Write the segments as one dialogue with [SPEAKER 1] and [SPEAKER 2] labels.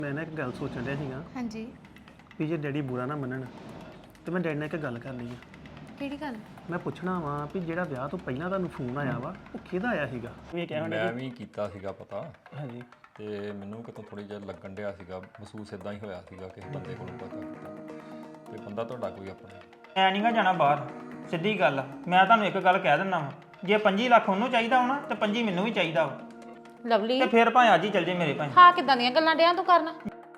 [SPEAKER 1] ਮੈਂ ਨਾ ਇੱਕ ਗੱਲ ਸੋਚਣ ਡਿਆ ਸੀਗਾ
[SPEAKER 2] ਹਾਂਜੀ।
[SPEAKER 1] ਵੀ ਜੇ ਡੈਡੀ ਬੁਰਾ ਨਾ ਮੰਨਣ ਤੇ ਮੈਂ ਡੈਡੀ ਨਾਲ ਇੱਕ ਗੱਲ ਕਰਨੀ ਆ।
[SPEAKER 2] ਕਿਹੜੀ ਗੱਲ?
[SPEAKER 1] ਮੈਂ ਪੁੱਛਣਾ ਵਾ ਵੀ ਜਿਹੜਾ ਵਿਆਹ ਤੋਂ ਪਹਿਲਾਂ ਤੁਹਾਨੂੰ ਫੋਨ ਆਇਆ ਵਾ ਉਹ ਕਿਹਦਾ ਆਇਆ ਸੀਗਾ? ਵੀ ਇਹ ਕਹਿਣ ਡਿਆ
[SPEAKER 3] ਮੈਂ ਵੀ ਕੀਤਾ ਸੀਗਾ ਪਤਾ
[SPEAKER 1] ਹਾਂਜੀ
[SPEAKER 3] ਤੇ ਮੈਨੂੰ ਕਿਤੋਂ ਥੋੜੀ ਜਿਹਾ ਲੱਗਣ ਡਿਆ ਸੀਗਾ, ਮਹਿਸੂਸ ਇਦਾਂ ਹੀ ਹੋਇਆ ਸੀਗਾ ਕਿਸੇ ਬੰਦੇ ਕੋਲੋਂ ਪਤਾ ਕੀਤਾ ਤੇ ਬੰਦਾ ਤੁਹਾਡਾ ਕੋਈ ਆਪਣਾ।
[SPEAKER 4] ਐ ਨਹੀਂਗਾ ਜਾਣਾ ਬਾਹਰ, ਸਿੱਧੀ ਗੱਲ ਆ। ਮੈਂ ਤੁਹਾਨੂੰ ਇੱਕ ਗੱਲ ਕਹਿ ਦਿੰਦਾ ਵਾਂ, ਜੇ 25 ਲੱਖ ਉਹਨੂੰ ਚਾਹੀਦਾ ਹੋਣਾ ਤੇ 25 ਮੈਨੂੰ ਵੀ ਚਾਹੀਦਾ ਵਾ,
[SPEAKER 2] ਲਵਲੀ
[SPEAKER 4] ਤੇ ਫਿਰ ਭਾਵੇਂ ਅੱਜ ਹੀ ਚੱਲ ਜੇ ਮੇਰੇ ਭਾਈ।
[SPEAKER 2] ਹਾਂ ਕਿਦਾਂ ਦੀਆਂ ਗੱਲਾਂ ਡਿਆ ਤੂੰ ਕਰਨ?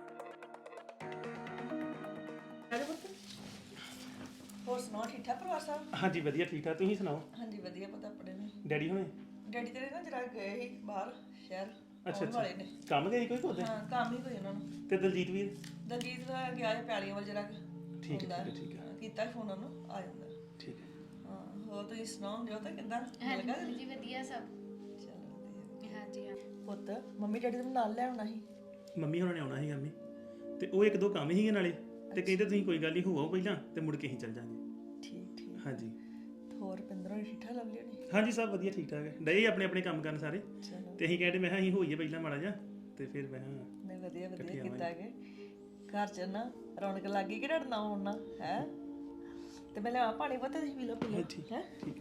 [SPEAKER 5] ਹੋਰ ਸੁਣਾਓ, ਠੀਕ ਠਾਕ ਪਰਿਵਾਰ ਸਾਹਿਬ?
[SPEAKER 1] ਹਾਂਜੀ ਵਧੀਆ ਠੀਕ ਠਾਕ। ਤੁਸੀਂ ਸੁਣਾਓ
[SPEAKER 5] ਹਾਂਜੀ ਵਧੀਆ, ਪਤਾ ਆਪਣੇ ਨੇ।
[SPEAKER 1] ਡੈਡੀ ਹੁਣੇ?
[SPEAKER 5] ਡੈਡੀ ਤੇਰੇ ਨਾ ਜਰਾ ਗਏ ਸੀ ਬਾਹਰ ਸ਼ਹਿਰ,
[SPEAKER 1] ਅੱਛਾ
[SPEAKER 5] ਆਉਣ
[SPEAKER 1] ਅੱਛਾ
[SPEAKER 5] ਵਾਲੇ ਨੇ।
[SPEAKER 1] ਕੰਮ ਗਏ ਕੋਈ ਕੋਦੇ?
[SPEAKER 5] ਹਾਂ ਕੰਮ ਹੀ ਕੋਈ ਉਹਨਾਂ ਨੂੰ।
[SPEAKER 1] ਤੇ ਦਲਜੀਤ ਵੀਰ?
[SPEAKER 5] ਦਲਜੀਤ ਦਾ ਗਿਆ ਹੈ ਪੈਲੀਆਂ ਵੱਲ ਜਰਾ
[SPEAKER 1] ਠੀਕ ਹੈ ਠੀਕ ਹੈ
[SPEAKER 5] ਕੀਤਾ ਫੋਨ ਉਹਨੂੰ, ਆ ਜਾਂਦਾ।
[SPEAKER 1] ਠੀਕ ਹੈ।
[SPEAKER 5] ਹਾਂ ਹੋਰ ਤੁਸੀਂ ਸੁਣਾਓ, ਜੋ ਤਾਂ ਕਿੱਦਾਂ ਮਿਲ ਗਿਆ?
[SPEAKER 2] ਜੀ ਵਧੀਆ ਸਭ।
[SPEAKER 5] ਚਲੋ ਵਧੀਆ।
[SPEAKER 2] ਹਾਂਜੀ ਹਾਂ।
[SPEAKER 5] ਪੁੱਤ ਮੰਮੀ ਡੈਡੀ ਨੂੰ ਨਾਲ ਲੈ ਆਉਣਾ ਸੀ।
[SPEAKER 1] ਮੰਮੀ ਹੋਰਾਂ ਨੇ ਆਉਣਾ ਸੀਗਾ ਮੰਮੀ, ਤੇ ਉਹ ਇੱਕ ਦੋ ਕੰਮ ਸੀਗੇ ਨਾਲੇ, ਤੇ ਕਹਿੰਦੇ ਤੁਸੀਂ ਕੋਈ ਗੱਲ ਨਹੀਂ ਹੋਵੋ ਪਹਿਲਾਂ ਤੇ ਮੁੜ ਕੇ ਅਸੀਂ ਚੱਲ ਜਾਾਂਗੇ।
[SPEAKER 5] ਠੀਕ ਠੀਕ।
[SPEAKER 1] ਹਾਂਜੀ
[SPEAKER 5] ਹੋਰ ਪਿੰਦਰੋਂ ਠੀਕ ਠਾਕ ਲੱਗ ਲਿਆ ਨਹੀਂ?
[SPEAKER 1] ਹਾਂਜੀ ਸਭ ਵਧੀਆ ਠੀਕ ਠਾਕ ਹੈ, ਡਏ ਆਪਣੇ ਆਪਣੇ ਕੰਮ ਕਰਨ ਸਾਰੇ।
[SPEAKER 5] ਚਲੋ
[SPEAKER 1] ਤੇ ਅਸੀਂ ਕਹਿੰਦੇ ਮੈਂ ਕਿਹਾ ਅਸੀਂ ਹੋਈਏ ਪਹਿਲਾਂ ਮਾੜਾ ਜਿਹਾ ਤੇ ਫਿਰ ਮੈਂ ਕਿਹਾ
[SPEAKER 5] ਨਹੀਂ ਵਧੀਆ ਵਧੀਆ ਕੀਤਾ ਕਿ ਘਰ ਚ ਨਾ ਰੌਣਕ ਲੱਗ ਗਈ ਕਿ ਡਰਨਾ ਹੋਣਾ ਹੈ। ਤੇ ਮੈਂ ਲਿਆ ਪਾਣੀ ਪੁੱਤ, ਤੁਸੀਂ ਪੀ ਲਓ ਪੀ ਲਓ
[SPEAKER 1] ਠੀਕ
[SPEAKER 5] ਹੈ।
[SPEAKER 1] ਠੀਕ।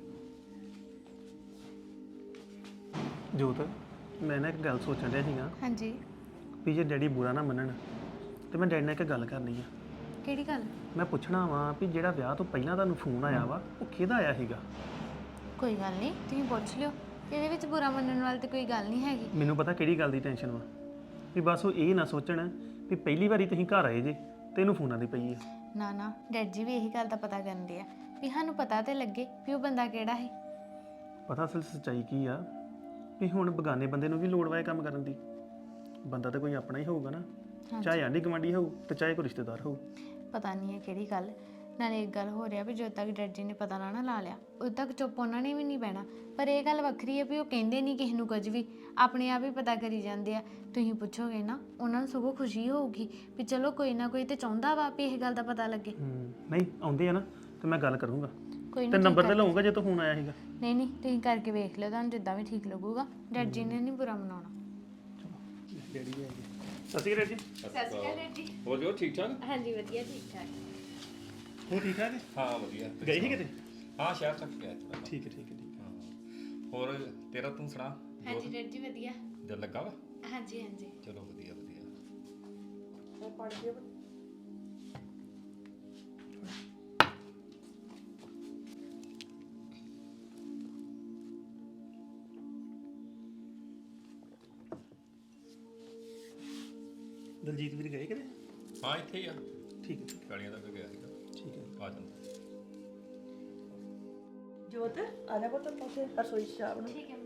[SPEAKER 1] ਜੋਤ ਮੈਂ ਨਾ ਇੱਕ ਗੱਲ ਸੋਚਣ ਡਿਆ ਸੀਗਾ
[SPEAKER 2] ਹਾਂਜੀ।
[SPEAKER 1] ਵੀ ਜੇ ਡੈਡੀ ਬੁਰਾ ਨਾ ਮੰਨਣ ਤੇ ਮੈਂ ਡੈਡੀ ਨਾਲ ਇੱਕ ਗੱਲ ਕਰਨੀ ਆ।
[SPEAKER 2] ਕਿਹੜੀ ਗੱਲ?
[SPEAKER 1] ਮੈਂ ਪੁੱਛਣਾ ਵਾ ਵੀ ਜਿਹੜਾ ਵਿਆਹ ਤੋਂ ਪਹਿਲਾਂ ਤੁਹਾਨੂੰ ਫੋਨ ਆਇਆ ਵਾ ਉਹ ਕਿਹਦਾ ਆਇਆ ਸੀਗਾ?
[SPEAKER 2] ਕੋਈ ਗੱਲ ਨਹੀਂ, ਤੁਸੀਂ ਪੁੱਛ ਲਿਓ। ਇਹਦੇ ਵਿੱਚ ਬੁਰਾ ਮੰਨਣ ਵਾਲੀ ਤੇ ਕੋਈ ਗੱਲ ਨਹੀਂ ਹੈਗੀ।
[SPEAKER 1] ਮੈਨੂੰ ਪਤਾ ਕਿਹੜੀ ਗੱਲ ਦੀ ਟੈਨਸ਼ਨ ਵਾ, ਵੀ ਬਸ ਉਹ ਇਹ ਨਾ ਸੋਚਣ ਵੀ ਪਹਿਲੀ ਵਾਰੀ ਤੁਸੀਂ ਘਰ ਆਏ ਜੇ ਤੇ ਇਹਨੂੰ ਫੋਨਾਂ ਦੀ ਪਈ ਹੈ।
[SPEAKER 2] ਨਾ ਨਾ, ਡੈਡ ਜੀ ਵੀ ਇਹੀ ਗੱਲ ਦਾ ਪਤਾ ਕਰਨ ਦੇ ਆ ਵੀ ਸਾਨੂੰ ਪਤਾ ਤੇ ਲੱਗੇ ਵੀ ਉਹ ਬੰਦਾ ਕਿਹੜਾ ਹੈ।
[SPEAKER 1] ਪਤਾ ਅਸਲ ਸੱਚਾਈ ਕੀ ਆ ਵੀ ਹੁਣ ਬਗਾਨੇ ਬੰਦੇ ਨੂੰ ਵੀ ਲੋੜ ਵਾ ਇਹ ਕੰਮ ਕਰਨ ਦੀ। ਬੰਦਾ ਤਾਂ ਕੋਈ ਆਪਣਾ ਹੀ ਹੋਊਗਾ ਨਾ, ਚਾਹੇ ਆਂਢੀ ਗੁਆਂਢੀ ਹੋਊ ਤੇ ਚਾਹੇ ਕੋਈ ਰਿਸ਼ਤੇਦਾਰ ਹੋਊ।
[SPEAKER 2] ਪਤਾ ਨਹੀਂ ਹੈ ਕਿਹੜੀ ਗੱਲ। ਨਾਲੇ ਇੱਕ ਗੱਲ ਹੋ ਰਿਹਾ ਵੀ ਜਦੋਂ ਤੱਕ ਡੈਡ ਜੀ ਨੇ ਪਤਾ ਨਾ ਲਾ ਲਿਆ ਉਦੋਂ ਤੱਕ ਚੁੱਪ ਉਹਨਾਂ ਨੇ ਵੀ ਨਹੀਂ ਬਹਿਣਾ। ਪਰ ਇਹ ਗੱਲ ਵੱਖਰੀ ਹੈ ਵੀ ਉਹ ਕਹਿੰਦੇ ਨਹੀਂ ਕਿਸੇ ਨੂੰ ਕੁਝ ਵੀ, ਆਪਣੇ ਆਪ ਹੀ ਪਤਾ ਕਰੀ ਜਾਂਦੇ ਆ। ਤੁਸੀਂ ਪੁੱਛੋਗੇ ਨਾ ਉਹਨਾਂ ਨੂੰ ਸਗੋਂ ਖੁਸ਼ੀ ਹੋਊਗੀ ਵੀ ਚਲੋ ਕੋਈ ਨਾ ਕੋਈ ਤੇ ਚਾਹੁੰਦਾ ਵਾ ਵੀ ਇਹ ਗੱਲ ਦਾ ਪਤਾ ਲੱਗੇ।
[SPEAKER 1] ਨਹੀਂ ਆਉਂਦੇ ਆ ਨਾ ਤੇ ਮੈਂ ਗੱਲ ਕਰੂੰਗਾ
[SPEAKER 2] ਕੋਈ
[SPEAKER 1] ਤੇ
[SPEAKER 2] ਨਹੀਂ
[SPEAKER 1] ਨੰਬਰ ਤੇ ਲਵਾਂਗਾ ਜੇ ਤੋਂ ਫੋਨ ਆਇਆ ਸੀਗਾ।
[SPEAKER 2] ਨਹੀਂ ਤੁਸੀਂ ਕਰਕੇ ਵੇਖ ਲਿਓ, ਤੁਹਾਨੂੰ ਜਿੱਦਾਂ ਵੀ ਠੀਕ ਲੱਗੂਗਾ। ਡੈਡ ਜੀ ਨੇ ਨਹੀਂ ਬੁਰਾ ਮਨਾਉਣਾ।
[SPEAKER 1] ਡੈਡੀ ਵੀ ਆਏ। ਸਤਿ ਸ਼੍ਰੀ ਅਕਾਲ ਜੀ।
[SPEAKER 2] ਸਤਿ ਸ਼੍ਰੀ ਅਕਾਲ ਡੈਡ ਜੀ।
[SPEAKER 3] ਹੋਰ ਜੋ ਠੀਕ ਠਾਕ?
[SPEAKER 2] ਹਾਂਜੀ ਵਧੀਆ ਠੀਕ ਠਾਕ।
[SPEAKER 1] ਹੋ ਠੀਕ ਠਾਕ ਹੈ?
[SPEAKER 3] ਹਾਂ ਵਧੀਆ।
[SPEAKER 1] ਗਏ ਸੀ ਕਿਤੇ?
[SPEAKER 3] ਹਾਂ ਸ਼ਹਿਰ ਤੱਕ ਗਿਆ ਥੋੜਾ।
[SPEAKER 1] ਠੀਕ ਹੈ ਠੀਕ ਹੈ ਠੀਕ ਹੈ।
[SPEAKER 3] ਹੋਰ ਤੇਰਾ ਤੂੰ ਸੁਣਾ?
[SPEAKER 2] ਹਾਂਜੀ ਡੈਡ ਜੀ ਵਧੀਆ।
[SPEAKER 3] ਦਿਲ ਲੱਗਾ ਵਾ?
[SPEAKER 2] ਹਾਂਜੀ ਹਾਂਜੀ।
[SPEAKER 3] ਚਲੋ ਵਧੀਆ ਵਧੀਆ।
[SPEAKER 5] ਪਾਣੀ ਪੀਓ ਪੁੱਤ।
[SPEAKER 1] ਦਲਜੀਤ ਵੀਰ ਗਏ ਕਿਤੇ?
[SPEAKER 3] ਹਾਂ ਇੱਥੇ ਹੀ ਆ,
[SPEAKER 1] ਠੀਕ ਹੈ ਠੀਕ
[SPEAKER 3] ਕਾਲੀਆਂ ਤੱਕ ਗਿਆ ਸੀਗਾ।
[SPEAKER 1] ਹੈ ਠੀਕ ਹੈ।
[SPEAKER 3] ਆ ਜਾਂਦਾ।
[SPEAKER 5] ਜੋਤ ਆ ਜਾ ਪੁੱਤ, ਉੱਥੇ ਰਸੋਈ ਚ ਚਾਹ ਬਣਾ।
[SPEAKER 2] ਠੀਕ ਹੈ।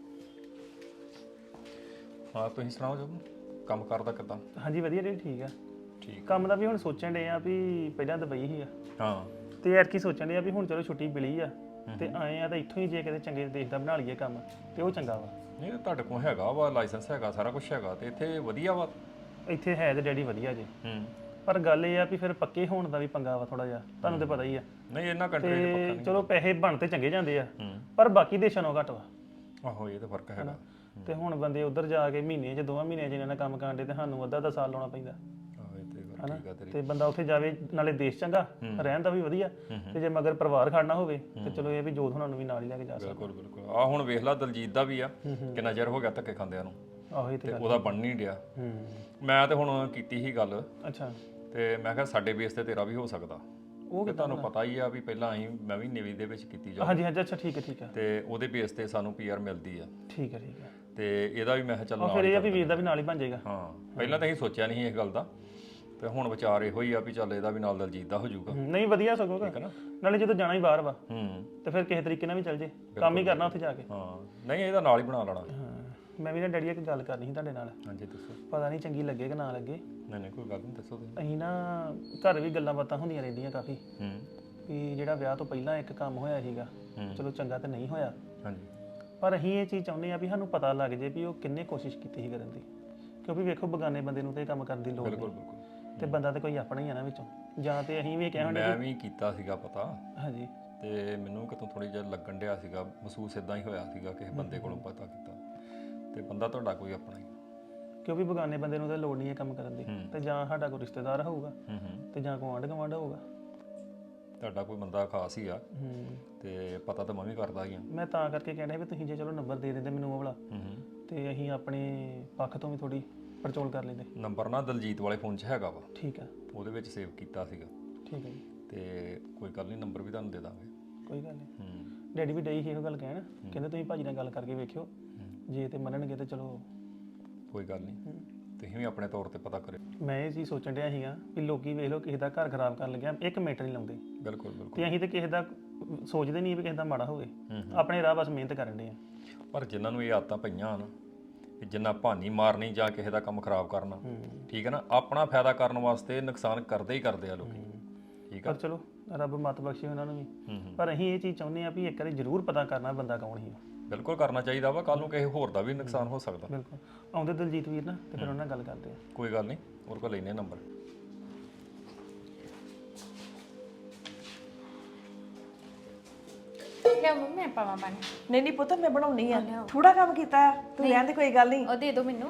[SPEAKER 3] ਹਾਂ ਤੁਸੀਂ ਸੁਣਾਓ ਜੋ ਕੰਮ ਕਰਦਾ ਕਿੱਦਾਂ?
[SPEAKER 1] ਹਾਂਜੀ ਵਧੀਆ ਡੈਡੀ ਠੀਕ ਆ।
[SPEAKER 3] ਠੀਕ।
[SPEAKER 1] ਕੰਮ ਦਾ ਵੀ ਹੁਣ ਸੋਚਣ ਡੇ ਆ ਵੀ ਪਹਿਲਾਂ ਦੁਬਈ ਹੀ ਆ
[SPEAKER 3] ਹਾਂ
[SPEAKER 1] ਤੇ ਯਾਰ ਕੀ ਸੋਚਣ ਡੇ ਆ ਵੀ ਹੁਣ ਚਲੋ ਛੁੱਟੀ ਮਿਲੀ ਆ ਤੇ ਆਏ ਆ ਤਾਂ ਇੱਥੋਂ ਹੀ ਜੇ ਕਿਤੇ ਚੰਗੇ ਦੇਸ਼ ਦਾ ਬਣਾ ਲਈਏ ਕੰਮ ਤੇ ਉਹ ਚੰਗਾ ਵਾ।
[SPEAKER 3] ਨਹੀਂ ਤੁਹਾਡੇ ਕੋਲ ਹੈਗਾ ਵਾ ਲਾਇਸੈਂਸ, ਹੈਗਾ ਸਾਰਾ ਕੁਝ ਹੈਗਾ ਤੇ ਇੱਥੇ ਵਧੀਆ ਵਾ।
[SPEAKER 1] ਇੱਥੇ ਹੈ ਤੇ ਡੈਡੀ ਵਧੀਆ ਜੇ, ਪਰ ਗੱਲ ਇਹ ਆ ਵੀ ਫਿਰ ਪੱਕੇ ਹੋਣ ਦਾ ਵੀ ਪੰਗਾ ਵਾ ਥੋੜਾ ਜਿਹਾ, ਤੁਹਾਨੂੰ ਤੇ ਪਤਾ ਹੀ ਆ।
[SPEAKER 3] ਨਹੀਂ ਇਹਨਾਂ ਕੰਟਰੀ ਦੇ ਪੱਕਾ
[SPEAKER 1] ਤੇ ਚਲੋ ਪੈਸੇ ਬਣ ਤੇ ਚੰਗੇ ਜਾਂਦੇ ਆ,
[SPEAKER 3] ਹੂੰ।
[SPEAKER 1] ਪਰ ਬਾਕੀ ਦੇਸ਼ਾਂ ਨਾਲੋਂ ਘੱਟ ਵਾ।
[SPEAKER 3] ਆਹੋ ਇਹ ਤਾਂ ਫਰਕ ਹੈਗਾ।
[SPEAKER 1] ਤੇ ਹੁਣ ਬੰਦੇ ਉੱਧਰ ਜਾ ਕੇ ਮਹੀਨੇ 'ਚ 2 ਮਹੀਨਿਆਂ 'ਚ ਇਹਨਾਂ ਨਾਲ ਕੰਮ ਕਰਨ ਦੇ ਤੇ ਸਾਨੂੰ ਅੱਧਾ ਸਾਲ ਲਾਉਣਾ ਪੈਂਦਾ।
[SPEAKER 3] ਆਹੋ ਇਹ ਤੇ ਗੱਲ ਠੀਕ ਆ ਤੇਰੀ।
[SPEAKER 1] ਤੇ ਬੰਦਾ ਉੱਥੇ ਜਾਵੇ ਨਾਲੇ ਦੇਸ਼ ਚੰਗਾ ਰਹਿਣ ਦਾ ਵੀ ਵਧੀਆ, ਤੇ ਜੇ ਮਗਰ ਪਰਿਵਾਰ ਖੜਨਾ ਹੋਵੇ ਤੇ ਚਲੋ ਇਹ ਵੀ ਜੋਤ ਹੁਣਾਂ ਨੂੰ ਵੀ ਨਾਲ ਹੀ ਲੈ ਕੇ ਜਾ ਸਕਦਾ।
[SPEAKER 3] ਬਿਲਕੁਲ ਬਿਲਕੁਲ। ਆ ਹੁਣ ਵੇਖ ਲਾ ਦਲਜੀਤ ਦਾ ਵੀ ਆ, ਕਿੰਨਾ ਚਿਰ ਹੋ ਗਿਆ ਧੱਕੇ ਖਾਂਦਿਆਂ ਨੂੰ,
[SPEAKER 1] ਆਹੋ ਇਹ ਤੇ
[SPEAKER 3] ਤੇ ਉਹਦਾ ਬਣ ਨਹੀਂ ਡਿਆ।
[SPEAKER 1] ਹੂੰ
[SPEAKER 3] ਮੈਂ ਤੇ ਹੁਣ ਕੀਤੀ ਸੀ ਗੱਲ,
[SPEAKER 1] ਅੱਛਾ
[SPEAKER 3] ਤੇ ਮੈਂ ਕਿਹਾ ਸਾਡੇ ਬੇਸ ਤੇ ਤੇਰਾ ਵੀ ਹੋ ਸਕਦਾ।
[SPEAKER 1] ਉਹ
[SPEAKER 3] ਤੇ ਤੁਹਾਨੂੰ ਪਤਾ ਹੀ ਆ ਵੀ ਪਹਿਲਾਂ ਮੈਂ ਵੀ ਨੇਵੀ ਦੇ ਵਿੱਚ ਕੀਤੀ ਜੋਬ,
[SPEAKER 1] ਹਾਂਜੀ ਹਾਂਜੀ ਅੱਛਾ ਠੀਕ ਹੈ
[SPEAKER 3] ਤੇ ਉਹਦੇ ਬੇਸ ਤੇ ਸਾਨੂੰ ਪੀਆਰ ਮਿਲਦੀ ਆ।
[SPEAKER 1] ਠੀਕ ਹੈ
[SPEAKER 3] ਤੇ ਇਹਦਾ ਵੀ ਮੈਂ ਕਿਹਾ ਚੱਲ
[SPEAKER 1] ਉਹ
[SPEAKER 3] ਨਾਲ
[SPEAKER 1] ਫਿਰ
[SPEAKER 3] ਹੀ
[SPEAKER 1] ਇਹ ਆ ਵੀ ਵੀਰ ਦਾ ਵੀ ਨਾਲ ਹੀ ਬਣ ਜਾਏਗਾ।
[SPEAKER 3] ਹਾਂ ਪਹਿਲਾਂ ਤਾਂ ਅਸੀਂ ਸੋਚਿਆ ਨਹੀਂ ਇਸ ਗੱਲ ਦਾ, ਤੇ ਹੁਣ ਵਿਚਾਰ ਇਹੋ ਹੀ ਆ ਵੀ ਚੱਲ ਇਹਦਾ ਵੀ ਨਾਲ ਦਲਜੀਤ ਦਾ ਹੋ ਜਾਊਗਾ।
[SPEAKER 1] ਨਹੀਂ ਵਧੀਆ ਸਗੋਂ
[SPEAKER 3] ਠੀਕ ਹੈ ਨਾ।
[SPEAKER 1] ਨਾਲੇ ਜਦੋਂ ਜਾਣਾ ਹੀ ਬਾਹਰ ਵਾ
[SPEAKER 3] ਹੂੰ
[SPEAKER 1] ਤੇ ਫਿਰ ਕਿਸੇ ਤਰੀਕੇ ਨਾਲ ਵੀ ਚੱਲ ਜੇ, ਕੰਮ ਹੀ ਕਰਨਾ ਉੱਥੇ ਜਾ ਕੇ।
[SPEAKER 3] ਹਾਂ ਨਹੀਂ ਇਹਦਾ ਨਾਲ ਹੀ ਬਣਾ ਲੈਣਾ।
[SPEAKER 1] ਹਾਂ ਮੈਂ ਵੀ ਨਾ ਡੈਡੀ ਇੱਕ ਗੱਲ ਕਰਨੀ ਸੀ ਤੁਹਾਡੇ ਨਾਲ,
[SPEAKER 3] ਹਾਂਜੀ ਦੱਸੋ।
[SPEAKER 1] ਪਤਾ ਨਹੀਂ ਚੰਗੀ ਲੱਗੇ ਕਿ ਨਾ ਲੱਗੇ।
[SPEAKER 3] ਨਹੀਂ ਕੋਈ ਗੱਲ ਨਹੀਂ, ਦੱਸੋ ਤੁਸੀਂ।
[SPEAKER 1] ਅਸੀਂ ਨਾ ਘਰ ਵੀ ਗੱਲਾਂ ਬਾਤਾਂ ਹੁੰਦੀਆਂ ਰਹਿੰਦੀਆਂ ਕਾਫੀ,
[SPEAKER 3] ਹੂੰ
[SPEAKER 1] ਵੀ ਜਿਹੜਾ ਵਿਆਹ ਤੋਂ ਪਹਿਲਾਂ ਇੱਕ ਕੰਮ ਹੋਇਆ ਸੀਗਾ, ਚਲੋ ਚੰਗਾ ਤਾਂ ਨਹੀਂ ਹੋਇਆ,
[SPEAKER 3] ਹਾਂਜੀ।
[SPEAKER 1] ਪਰ ਅਸੀਂ ਇਹ ਚੀਜ਼ ਚਾਹੁੰਦੇ ਆ ਵੀ ਸਾਨੂੰ ਪਤਾ ਲੱਗ ਜੇ ਵੀ ਉਹ ਕਿੰਨੇ ਕੋਸ਼ਿਸ਼ ਕੀਤੀ ਸੀ ਕਰਨ ਦੀ, ਕਿਉਂਕਿ ਵੇਖੋ ਬਗਾਨੇ ਬੰਦੇ ਨੂੰ ਤੇ ਇਹ ਕੰਮ ਕਰਨ ਦੀ ਲੋੜ
[SPEAKER 3] ਬਿਲਕੁਲ
[SPEAKER 1] ਨਹੀਂ,
[SPEAKER 3] ਬਿਲਕੁਲ।
[SPEAKER 1] ਤੇ ਬੰਦਾ ਤੇ ਕੋਈ ਆਪਣਾ ਹੀ ਆ ਨਾ ਵਿੱਚੋਂ, ਜਾਂ ਤੇ ਅਸੀਂ ਵੀ ਕਹਿਣ
[SPEAKER 3] ਮੈਂ ਵੀ ਕੀਤਾ ਸੀਗਾ ਪਤਾ,
[SPEAKER 1] ਹਾਂਜੀ
[SPEAKER 3] ਤੇ ਮੈਨੂੰ ਕਿਤੋਂ ਥੋੜੀ ਜਿਹਾ ਲੱਗਣ ਡਿਆ ਸੀਗਾ, ਮਹਿਸੂਸ ਇਦਾਂ ਹੀ ਹੋਇਆ ਸੀਗਾ ਕਿਸੇ ਬੰਦੇ ਕੋਲੋਂ ਪਤਾ ਕੀਤਾ, ਤੇ ਬੰਦਾ ਤੁਹਾਡਾ ਕੋਈ ਆਪਣਾ ਹੀ।
[SPEAKER 1] ਕਿਉਂਕਿ ਬਗਾਨੇ ਬੰਦੇ ਨੂੰ ਤਾਂ ਲੋੜ ਨਹੀਂ ਹੈ ਕੰਮ ਕਰਨ ਦੀ ਤੇ ਜਾਂ ਸਾਡਾ ਕੋਈ ਰਿਸ਼ਤੇਦਾਰ ਹੋਊਗਾ ਤੇ ਜਾਂ ਕੋਈ ਆਂਢ ਗੁਆਂਢ ਹੋਊਗਾ।
[SPEAKER 3] ਤੁਹਾਡਾ ਕੋਈ ਬੰਦਾ ਖਾਸ ਹੀ ਆ ਤੇ ਪਤਾ ਤਾਂ ਮੈਂ ਵੀ ਕਰਦਾ ਹੀ ਆ।
[SPEAKER 1] ਮੈਂ ਤਾਂ ਕਰਕੇ ਕਹਿਣਾ ਵੀ ਤੁਸੀਂ ਜੇ ਚਲੋ ਨੰਬਰ ਦੇ ਦਿੰਦੇ ਮੈਨੂੰ ਉਹ ਵਾਲਾ ਤੇ ਅਸੀਂ ਆਪਣੇ ਪੱਖ ਤੋਂ ਵੀ ਥੋੜੀ ਪੜਚੋਲ ਕਰ ਲੈਂਦੇ।
[SPEAKER 3] ਨੰਬਰ ਨਾ ਦਲਜੀਤ ਵਾਲੇ ਫੋਨ 'ਚ ਹੈਗਾ ਵਾ,
[SPEAKER 1] ਠੀਕ ਆ,
[SPEAKER 3] ਉਹਦੇ ਵਿੱਚ ਸੇਵ ਕੀਤਾ ਸੀਗਾ।
[SPEAKER 1] ਠੀਕ ਹੈ ਜੀ,
[SPEAKER 3] ਤੇ ਕੋਈ ਗੱਲ ਨਹੀਂ, ਨੰਬਰ ਵੀ ਤੁਹਾਨੂੰ ਦੇ ਦਾਂਗੇ।
[SPEAKER 1] ਕੋਈ ਗੱਲ ਨਹੀਂ। ਡੈਡੀ ਵੀ ਡਈ ਸੀ ਇਹੋ ਗੱਲ ਕਹਿਣ, ਕਹਿੰਦੇ ਤੁਸੀਂ ਭਾਜੀ ਨਾਲ ਗੱਲ ਕਰਕੇ ਵੇਖਿਓ, ਜੇ ਤੇ ਮੰਨਣਗੇ ਤੇ ਚਲੋ
[SPEAKER 3] ਕੋਈ ਗੱਲ ਨਹੀਂ, ਤੁਸੀਂ ਵੀ ਆਪਣੇ ਤੌਰ ਤੇ ਪਤਾ ਕਰਿਓ।
[SPEAKER 1] ਮੈਂ ਇਹ ਚੀਜ਼ ਸੋਚਣ ਡਿਆ ਸੀਗਾ ਵੀ ਲੋਕੀ ਵੇਖ ਲਓ ਕਿਸੇ ਦਾ ਘਰ ਖਰਾਬ ਕਰਨ ਲੱਗਿਆ 1 ਮਿੰਟ ਨਹੀਂ ਲਾਉਂਦੇ
[SPEAKER 3] ਬਿਲਕੁਲ ਬਿਲਕੁਲ।
[SPEAKER 1] ਤੇ ਅਸੀਂ ਤੇ ਕਿਸੇ ਦਾ ਸੋਚਦੇ ਨਹੀਂ ਵੀ ਕਿਸੇ ਦਾ ਮਾੜਾ ਹੋਵੇ, ਆਪਣੇ ਰਾਹ ਬਸ ਮਿਹਨਤ ਕਰਨ ਦੇ ਆ।
[SPEAKER 3] ਪਰ ਜਿਨ੍ਹਾਂ ਨੂੰ ਇਹ ਆਦਤਾਂ ਪਈਆਂ ਹਨ ਕਿ ਜਿੰਨਾ ਭਾਨੀ ਮਾਰਨੀ ਜਾਂ ਕਿਸੇ ਦਾ ਕੰਮ ਖਰਾਬ ਕਰਨਾ, ਠੀਕ ਹੈ ਨਾ, ਆਪਣਾ ਫਾਇਦਾ ਕਰਨ ਵਾਸਤੇ ਨੁਕਸਾਨ ਕਰਦੇ ਹੀ ਕਰਦੇ ਆ ਲੋਕੀ, ਠੀਕ ਆ।
[SPEAKER 1] ਪਰ ਚਲੋ ਰੱਬ ਮੱਤ ਬਖਸ਼ੇ ਉਹਨਾਂ ਨੂੰ ਵੀ, ਪਰ ਅਸੀਂ ਇਹ ਚੀਜ਼ ਚਾਹੁੰਦੇ ਆ ਵੀ ਇੱਕ ਵਾਰੀ ਜ਼ਰੂਰ ਪਤਾ ਕਰਨਾ ਬੰਦਾ ਕੌਣ ਸੀ।
[SPEAKER 3] ਬਿਲਕੁਲ ਕਰਨਾ ਚਾਹੀਦਾ ਵਾ, ਕੱਲ ਨੂੰ ਕਿਸੇ ਹੋਰ ਦਾ ਵੀ ਨੁਕਸਾਨ ਹੋ ਸਕਦਾ।
[SPEAKER 1] ਬਿਲਕੁਲ ਆਉਂਦੇ ਦਲਜੀਤ ਵੀਰ ਨਾ ਤੇ ਫਿਰ ਉਹਨਾਂ ਨਾਲ ਗੱਲ ਕਰਦੇ ਆ।
[SPEAKER 3] ਕੋਈ ਗੱਲ ਨਹੀਂ, ਹੋਰ ਕੋਲ ਲੈਨੇ ਨੰਬਰ।
[SPEAKER 2] ਲਿਆ ਮੰਮੀ ਮੈਂ ਪਾਵਾਂ ਪਾਣੀ।
[SPEAKER 5] ਨਹੀਂ ਨਹੀਂ ਪੁੱਤ ਮੈਂ ਬਣਾਉਣੀ ਆ, ਥੋੜਾ ਕੰਮ ਕੀਤਾ ਆ, ਤੂੰ ਰਹਿਣ ਦੇ, ਕੋਈ ਗੱਲ ਨਹੀਂ।
[SPEAKER 2] ਉਹ ਦੇ ਦਿਓ ਮੈਨੂੰ।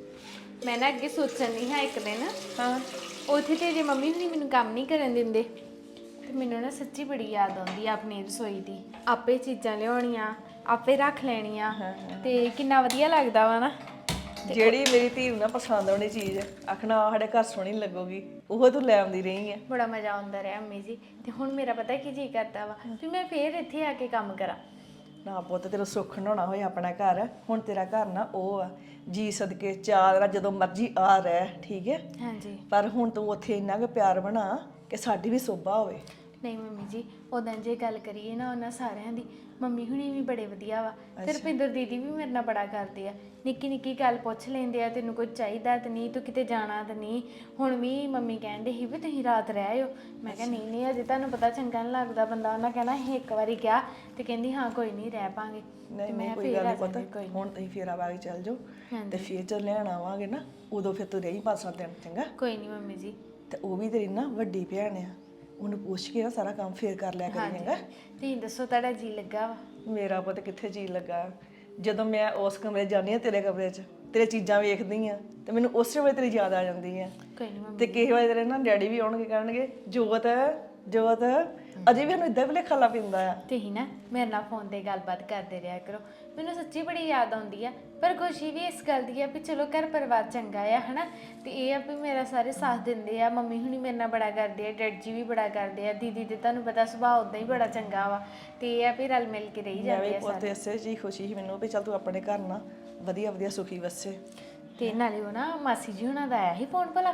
[SPEAKER 2] ਮੈਂ ਨਾ ਅੱਗੇ ਸੋਚਣ ਨਹੀਂ ਹਾਂ ਇੱਕ ਦਿਨ
[SPEAKER 5] ਹਾਂ
[SPEAKER 2] ਉੱਥੇ ਤੇ ਜੇ ਮੰਮੀ ਹੁਣੀ ਮੈਨੂੰ ਕੰਮ ਨਹੀਂ ਕਰਨ ਦਿੰਦੇ ਤੇ ਮੈਨੂੰ ਨਾ ਸੱਚੀ ਬੜੀ ਯਾਦ ਆਉਂਦੀ ਆ ਆਪਣੀ ਰਸੋਈ ਦੀ। ਆਪੇ ਚੀਜ਼ਾਂ ਲਿਆਉਣੀਆਂ, ਆਪੇ ਰੱਖ ਲੈਣੀਆਂ ਤੇ ਕਿੰਨਾ ਵਧੀਆ ਲੱਗਦਾ ਵਾ ਨਾ।
[SPEAKER 5] ਜਿਹੜੀ ਮੇਰੀ ਧੀ ਨੂੰ ਨਾ ਪਸੰਦ ਆਉਣੀ ਚੀਜ਼ ਆਖਣਾ ਆਹ ਸਾਡੇ ਘਰ ਸੋਹਣੀ ਲੱਗੂਗੀ, ਉਹ ਤੂੰ ਲੈ ਆਉਂਦੀ ਰਹੀ ਆ।
[SPEAKER 2] ਬੜਾ ਮਜ਼ਾ ਆਉਂਦਾ ਰਿਹਾ ਅੰਮੀ ਜੀ। ਤੇ ਹੁਣ ਮੇਰਾ ਪਤਾ ਕੀ ਜੀ ਕਰਦਾ ਵਾ ਵੀ ਮੈਂ ਫੇਰ ਇੱਥੇ ਆ ਕੇ ਕੰਮ ਕਰਾਂ।
[SPEAKER 5] ਨਾ ਪੁੱਤ ਤੇਰਾ ਸੁੱਖ ਹੋਣਾ ਹੋਏ ਆਪਣਾ ਘਰ, ਹੁਣ ਤੇਰਾ ਘਰ ਨਾ ਉਹ ਆ ਜੀ ਸਦਕੇ ਚਾਰ ਜਦੋਂ ਮਰਜ਼ੀ ਆ ਰਹਿ, ਠੀਕ ਹੈ।
[SPEAKER 2] ਹਾਂਜੀ
[SPEAKER 5] ਪਰ ਹੁਣ ਤੂੰ ਉੱਥੇ ਇੰਨਾ ਕੁ ਪਿਆਰ ਬਣਾ ਕਿ ਸਾਡੀ ਵੀ ਸੋਭਾ ਹੋਵੇ।
[SPEAKER 2] ਨਹੀਂ ਮੰਮੀ ਜੀ, ਉਦਾਂ ਜੇ ਗੱਲ ਕਰੀਏ ਨਾ ਉਹਨਾਂ ਸਾਰਿਆਂ ਦੀ, ਮੰਮੀ ਹੁਣੀ ਵੀ ਬੜੇ ਵਧੀਆ ਵਾ ਤੇ ਰੁਪਿੰਦਰ ਦੀਦੀ ਵੀ ਮੇਰੇ ਨਾਲ ਬੜਾ ਕਰਦੇ ਆ। ਨਿੱਕੀ ਨਿੱਕੀ ਗੱਲ ਪੁੱਛ ਲੈਂਦੇ ਆ, ਤੈਨੂੰ ਕੁਝ ਚਾਹੀਦਾ ਤੇ ਨਹੀਂ, ਤੂੰ ਕਿਤੇ ਜਾਣਾ ਤੇ ਨਹੀਂ। ਹੁਣ ਵੀ ਮੰਮੀ ਕਹਿੰਦੇ ਸੀ ਵੀ ਤੁਸੀਂ ਰਾਤ ਰਹਿ ਆਇਓ। ਮੈਂ ਕਿਹਾ ਨਹੀਂ ਨਹੀਂ, ਅਜੇ ਤੁਹਾਨੂੰ ਪਤਾ ਚੰਗਾ ਨਹੀਂ ਲੱਗਦਾ, ਬੰਦਾ ਉਹਨਾਂ ਕਹਿਣਾ ਅਸੀਂ ਇੱਕ ਵਾਰੀ ਕਿਹਾ ਤੇ ਕਹਿੰਦੀ ਹਾਂ ਕੋਈ ਨਹੀਂ ਰਹਿ ਪਾਂਗੇ।
[SPEAKER 5] ਨਹੀਂ ਨਹੀਂ ਕੋਈ ਗੱਲ ਨਹੀਂ ਪੁੱਤ, ਹੁਣ ਤੁਸੀਂ ਫੇਰ ਆਵਾਂਗੇ ਚੱਲ ਜਾਓ ਤੇ ਫੇਰ ਜਦ ਲੈਣ ਆਵਾਂਗੇ ਨਾ ਉਦੋਂ ਫਿਰ ਤੂੰ ਰਹੀ 5-7 ਦਿਨ, ਚੰਗਾ।
[SPEAKER 2] ਕੋਈ ਨਹੀਂ ਮੰਮੀ ਜੀ।
[SPEAKER 5] ਤੇ ਉਹ ਵੀ ਤੇਰੀ ਨਾ ਵੱਡੀ ਭੈਣ ਆ, ਉਹਨੂੰ ਪੁੱਛ ਕੇ ਨਾ ਸਾਰਾ ਕੰਮ ਫੇਰ ਕਰ ਲਿਆ ਕਰੀ, ਚੰਗਾ।
[SPEAKER 2] ਤੁਸੀਂ ਦੱਸੋ ਤੁਹਾਡਾ ਜੀ ਲੱਗਾ ਵਾ?
[SPEAKER 5] ਮੇਰਾ ਪੁੱਤ ਕਿੱਥੇ ਜੀ ਲੱਗਾ, ਜਦੋਂ ਮੈਂ ਉਸ ਕਮਰੇ 'ਚ ਜਾਂਦੀ ਆ, ਤੇਰੇ ਕਮਰੇ 'ਚ ਤੇਰੇ ਚੀਜ਼ਾਂ ਵੇਖਦੀ ਆ ਤੇ ਮੈਨੂੰ ਉਸੇ ਵੇਲੇ ਤੇਰੀ ਯਾਦ ਆ ਜਾਂਦੀ ਆ।
[SPEAKER 2] ਕੋਈ ਨਹੀਂ ਮੰਮੀ।
[SPEAKER 5] ਤੇ ਕਿਸੇ ਵੇਲੇ ਤੇਰੇ ਨਾ ਡੈਡੀ ਵੀ ਆਉਣਗੇ, ਕਹਿਣਗੇ ਜੋਤ ਜੋਤ, ਅਜੇ ਵੀ ਸਾਨੂੰ ਇਦਾਂ ਭੁਲੇਖਾ ਖਾਲਾ ਪੈਂਦਾ ਆ।
[SPEAKER 2] ਤੁਸੀਂ ਨਾ ਮੇਰੇ ਨਾਲ ਫੋਨ ਤੇ ਗੱਲਬਾਤ ਕਰਦੇ ਰਿਹਾ ਕਰੋ, ਮੈਨੂੰ ਸੱਚੀ ਬੜੀ ਯਾਦ ਆਉਂਦੀ ਆ। ਪਰ ਖੁਸ਼ੀ ਵੀ ਇਸ ਗੱਲ ਦੀ ਆ ਵੀ ਚਲੋ ਘਰ ਪਰਿਵਾਰ ਚੰਗਾ ਆ ਹਨਾ, ਤੇ ਇਹ ਆ ਵੀ ਮੇਰਾ ਸਾਰੇ ਸਾਥ ਦਿੰਦੇ ਆ। ਮੰਮੀ ਹੁਣੀ ਮੇਰੇ ਨਾਲ ਬੜਾ ਕਰਦੇ ਆ, ਡੈਡ ਜੀ ਵੀ ਬੜਾ ਕਰਦੇ ਆ, ਦੀਦੀ ਤੇ ਤੁਹਾਨੂੰ ਪਤਾ ਸੁਭਾਅ ਉਦਾਂ ਹੀ ਬੜਾ ਚੰਗਾ ਵਾ, ਤੇ ਇਹ ਆ ਵੀ ਰਲ ਮਿਲ ਕੇ ਰਹੀ ਜਾਂਦੇ ਆ
[SPEAKER 5] ਪੁੱਤ ਇਸੇ ਜੀ ਖੁਸ਼ੀ ਸੀ ਮੈਨੂੰ ਵੀ ਚੱਲ ਤੂੰ ਆਪਣੇ ਘਰ ਨਾ ਵਧੀਆ ਵਧੀਆ ਸੁਖੀ ਵਸੇ।
[SPEAKER 2] ਤੇ ਨਾਲੇ ਉਹ ਨਾ ਮਾਸੀ ਜੀ ਹੁਣਾਂ ਦਾ ਆਇਆ ਸੀ ਫੋਨ ਭਲਾ?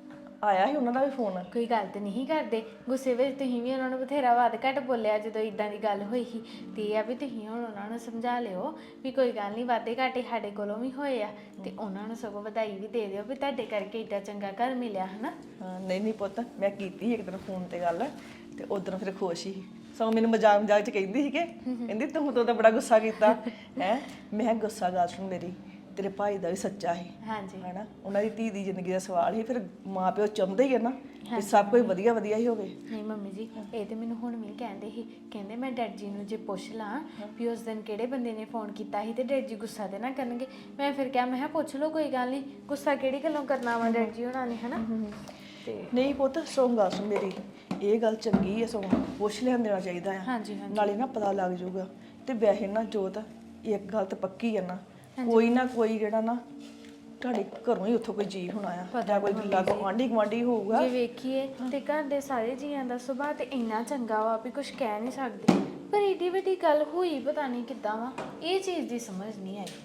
[SPEAKER 5] ਆਇਆ ਸੀ ਉਹਨਾਂ ਦਾ ਵੀ ਫੋਨ।
[SPEAKER 2] ਕੋਈ ਗੱਲ ਤੇ ਨਹੀਂ ਕਰਦੇ ਗੁੱਸੇ ਵਿੱਚ, ਤੁਸੀਂ ਵੀ ਉਹਨਾਂ ਨੂੰ ਬਥੇਰਾ ਵੱਧ ਘੱਟ ਬੋਲਿਆ ਜਦੋਂ ਇਦਾਂ ਦੀ ਗੱਲ ਹੋਈ ਸੀ। ਤੇ ਇਹ ਆ ਵੀ ਤੁਸੀਂ ਹੁਣ ਉਹਨਾਂ ਨੂੰ ਸਮਝਾ ਲਿਓ ਵੀ ਕੋਈ ਗੱਲ ਨਹੀਂ, ਵਾਧੇ ਘਾਟੇ ਸਾਡੇ ਕੋਲੋਂ ਵੀ ਹੋਏ ਆ, ਤੇ ਉਹਨਾਂ ਨੂੰ ਸਗੋਂ ਵਧਾਈ ਵੀ ਦੇ ਦਿਓ ਵੀ ਤੁਹਾਡੇ ਕਰਕੇ ਏਡਾ ਚੰਗਾ ਘਰ ਮਿਲਿਆ ਹਨਾ।
[SPEAKER 5] ਹਾਂ ਨਹੀਂ ਨਹੀਂ ਪੁੱਤ, ਮੈਂ ਕੀਤੀ ਇੱਕ ਦਿਨ ਫੋਨ ਤੇ ਗੱਲ ਤੇ ਉਦੋਂ ਫਿਰ ਖੁਸ਼ ਸੀ। ਸੋ ਮੈਨੂੰ ਮਜ਼ਾਕ ਮਜ਼ਾਕ ਚ ਕਹਿੰਦੀ ਸੀ ਕਿ ਕਹਿੰਦੀ ਤੂੰ ਤਾਂ ਬੜਾ ਗੁੱਸਾ ਕੀਤਾ ਹੈ। ਮੈਂ ਗੁੱਸਾ ਗੱਲ ਸੁਣ, ਮੇਰੀ ਤੇਰੇ ਭਾਈ ਦਾ ਵੀ ਸੱਚਾ ਸੀ
[SPEAKER 2] ਹਾਂਜੀ
[SPEAKER 5] ਹਨਾ, ਉਹਨਾਂ ਦੀ ਧੀ ਦੀ ਜ਼ਿੰਦਗੀ ਦਾ ਸਵਾਲ ਸੀ। ਫਿਰ ਮਾਂ ਪਿਓ ਚਾਹੁੰਦੇ ਹੀ ਆ ਨਾ ਕਿ ਸਭ ਕੁਝ ਵਧੀਆ ਵਧੀਆ ਹੀ ਹੋਵੇ।
[SPEAKER 2] ਨਹੀਂ ਮੰਮੀ ਜੀ, ਇਹ ਤੇ ਮੈਨੂੰ ਹੁਣ ਵੀ ਕਹਿੰਦੇ ਸੀ, ਕਹਿੰਦੇ ਮੈਂ ਡੈਡ ਜੀ ਨੂੰ ਜੇ ਪੁੱਛ ਲਾਂ ਵੀ ਉਸ ਦਿਨ ਕਿਹੜੇ ਬੰਦੇ ਨੇ ਫੋਨ ਕੀਤਾ ਸੀ ਤੇ ਡੈਡ ਜੀ ਗੁੱਸਾ ਤੇ ਨਾ ਕਰਨਗੇ। ਮੈਂ ਫਿਰ ਕਿਹਾ, ਮੈਂ ਕਿਹਾ ਪੁੱਛ ਲਓ, ਕੋਈ ਗੱਲ ਨਹੀਂ, ਗੁੱਸਾ ਕਿਹੜੀ ਗੱਲੋਂ ਕਰਨਾ ਵਾ ਡੈਡ ਜੀ ਉਹਨਾਂ ਨੇ ਹਨਾ। ਤੇ
[SPEAKER 5] ਨਹੀਂ ਪੁੱਤ ਸੋ ਗੱਲ ਸੁਣ ਮੇਰੀ, ਇਹ ਗੱਲ ਚੰਗੀ ਹੈ, ਸੋ ਪੁੱਛ ਲੈਣ ਦੇਣਾ ਚਾਹੀਦਾ ਆ।
[SPEAKER 2] ਹਾਂਜੀ ਹਾਂਜੀ
[SPEAKER 5] ਨਾਲੇ ਨਾ ਪਤਾ ਲੱਗ ਜਾਊਗਾ। ਤੇ ਵੈਸੇ ਨਾ ਜੋਤ ਇੱਕ ਗੱਲ ਤਾਂ ਪੱਕੀ ਹੈ ਨਾ, ਕੋਈ ਨਾ ਕੋਈ ਜਿਹੜਾ ਨਾ ਤੁਹਾਡੇ ਘਰੋਂ ਹੀ ਉੱਥੋਂ ਕੋਈ ਜੀ ਹੋਣਾ ਆ, ਜਾਂ ਕੋਈ ਲਾਗੋਂ ਆਂਢੀ ਗੁਆਂਢੀ ਹੋਊਗਾ।
[SPEAKER 2] ਜੇ ਵੇਖੀਏ ਤੇ ਘਰ ਦੇ ਸਾਰੇ ਜੀਆਂ ਦਾ ਸੁਭਾਅ ਤੇ ਇੰਨਾ ਚੰਗਾ ਵਾ ਵੀ ਕੁਝ ਕਹਿ ਨਹੀਂ ਸਕਦੇ, ਪਰ ਏਡੀ ਵੱਡੀ ਗੱਲ ਹੋਈ ਪਤਾ ਨਹੀਂ ਕਿੱਦਾਂ ਵਾ, ਇਹ ਚੀਜ਼ ਦੀ ਸਮਝ ਨਹੀਂ ਆਈ।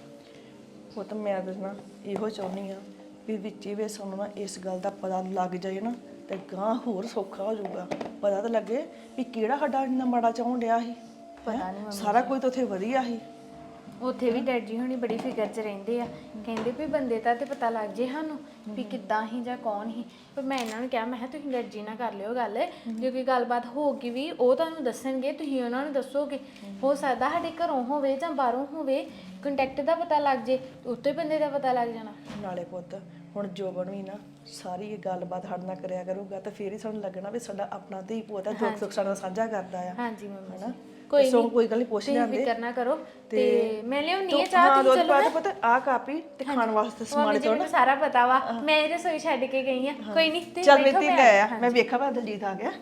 [SPEAKER 5] ਉਹ ਤਾਂ ਮੈਂ ਤਾਂ ਨਾ ਇਹੋ ਚਾਹੁੰਦੀ ਆ ਵੀ ਵਿੱਚੇ ਵੇ ਸਾਨੂੰ ਨਾ ਇਸ ਗੱਲ ਦਾ ਪਤਾ ਲੱਗ ਜਾਏ ਨਾ ਤੇ ਗਾਂ ਹੋਰ ਸੌਖਾ ਹੋ ਜਾਊਗਾ। ਪਤਾ ਤਾਂ ਲੱਗੇ ਵੀ ਕਿਹੜਾ ਸਾਡਾ ਇੰਨਾ ਮਾੜਾ ਚਾਹੁਣ ਡਿਆ ਸੀ।
[SPEAKER 2] ਪਤਾ ਨਹੀਂ
[SPEAKER 5] ਸਾਰਾ ਕੁਝ ਤਾਂ ਉੱਥੇ ਵਧੀਆ ਸੀ।
[SPEAKER 2] ਉੱਥੇ ਵੀ ਡੈਡ ਜੀ ਹੁਣੀ ਬੜੀ ਫਿਕਰ 'ਚ ਰਹਿੰਦੇ ਆ, ਕਹਿੰਦੇ ਵੀ ਬੰਦੇ ਦਾ ਤੇ ਪਤਾ ਲੱਗ ਜੇ ਸਾਨੂੰ ਵੀ ਕਿੱਦਾਂ ਹੀ ਜਾਂ ਕੌਣ ਹੀ। ਪਰ ਮੈਂ ਇਹਨਾਂ ਨੂੰ ਕਿਹਾ, ਮੈਂ ਕਿਹਾ ਤੁਸੀਂ ਡੈਡ ਜੀ ਨਾਲ ਕਰ ਲਿਓ ਗੱਲ, ਜੇ ਕੋਈ ਗੱਲਬਾਤ ਹੋਊਗੀ ਵੀ ਉਹ ਤੁਹਾਨੂੰ ਦੱਸਣਗੇ, ਤੁਸੀਂ ਉਹਨਾਂ ਨੂੰ ਦੱਸੋਗੇ। ਹੋ ਸਕਦਾ ਸਾਡੇ ਘਰੋਂ ਹੋਵੇ ਜਾਂ ਬਾਹਰੋਂ ਹੋਵੇ, ਕੰਟੈਕਟ ਦਾ ਪਤਾ ਲੱਗ ਜੇ, ਉੱਤੇ ਬੰਦੇ ਦਾ ਪਤਾ ਲੱਗ ਜਾਣਾ।
[SPEAKER 5] ਨਾਲੇ ਪੁੱਤ ਹੁਣ ਜੋਬਨ ਵੀ ਨਾ ਸਾਰੀ ਇਹ ਗੱਲਬਾਤ ਸਾਡੇ ਨਾਲ ਕਰਿਆ ਕਰੂਗਾ ਤਾਂ ਫੇਰ ਹੀ ਸਾਨੂੰ ਲੱਗਣਾ ਵੀ ਸਾਡਾ ਆਪਣਾ ਧੀ ਪੁੱਤ ਹੈ, ਦੁੱਖ ਸੁੱਖ ਸਾਡਾ ਸਾਂਝਾ ਕਰਦਾ ਆ।
[SPEAKER 2] ਹਾਂਜੀ ਮੰਮੀ
[SPEAKER 5] ਹਨਾ
[SPEAKER 2] ਕੋਈ
[SPEAKER 5] ਸੋ ਕੋਈ ਗੱਲ ਨਹੀਂ ਪੁੱਛ
[SPEAKER 2] ਤੁਸੀਂ
[SPEAKER 5] ਜਾਂਦੇ
[SPEAKER 2] ਫਿਕਰ ਨਾ ਕਰੋ ਤੇ ਮੈਂ ਲਿਆਉਣੀ ਆ ਚਾਹ
[SPEAKER 5] ਹਾਂ
[SPEAKER 2] ਤੁਸੀਂ
[SPEAKER 5] ਦੁੱਧ
[SPEAKER 2] ਚਲੋ
[SPEAKER 5] ਪਾ ਦੇ ਪੁੱਤ ਆ ਕਾਪੀ ਤੇ ਖਾਣ ਵਾਸਤੇ ਸਮਾਨ
[SPEAKER 2] ਮੰਮੀ ਜੀ ਮੈਨੂੰ ਸਾਰਾ ਪਤਾ ਵਾ ਮੈਂ ਇਹ ਰਸੋਈ ਛੱਡ ਕੇ ਗਈ ਆ ਕੋਈ ਨਹੀਂ ਤੁਸੀਂ
[SPEAKER 5] ਚੱਲ
[SPEAKER 2] ਬੈਠੋ,
[SPEAKER 5] ਮੇਤੀ ਲੈ ਆ ਮੈਂ ਵੇਖਾਂ ਭਾ ਦਲਜੀਤ ਆ ਗਿਆ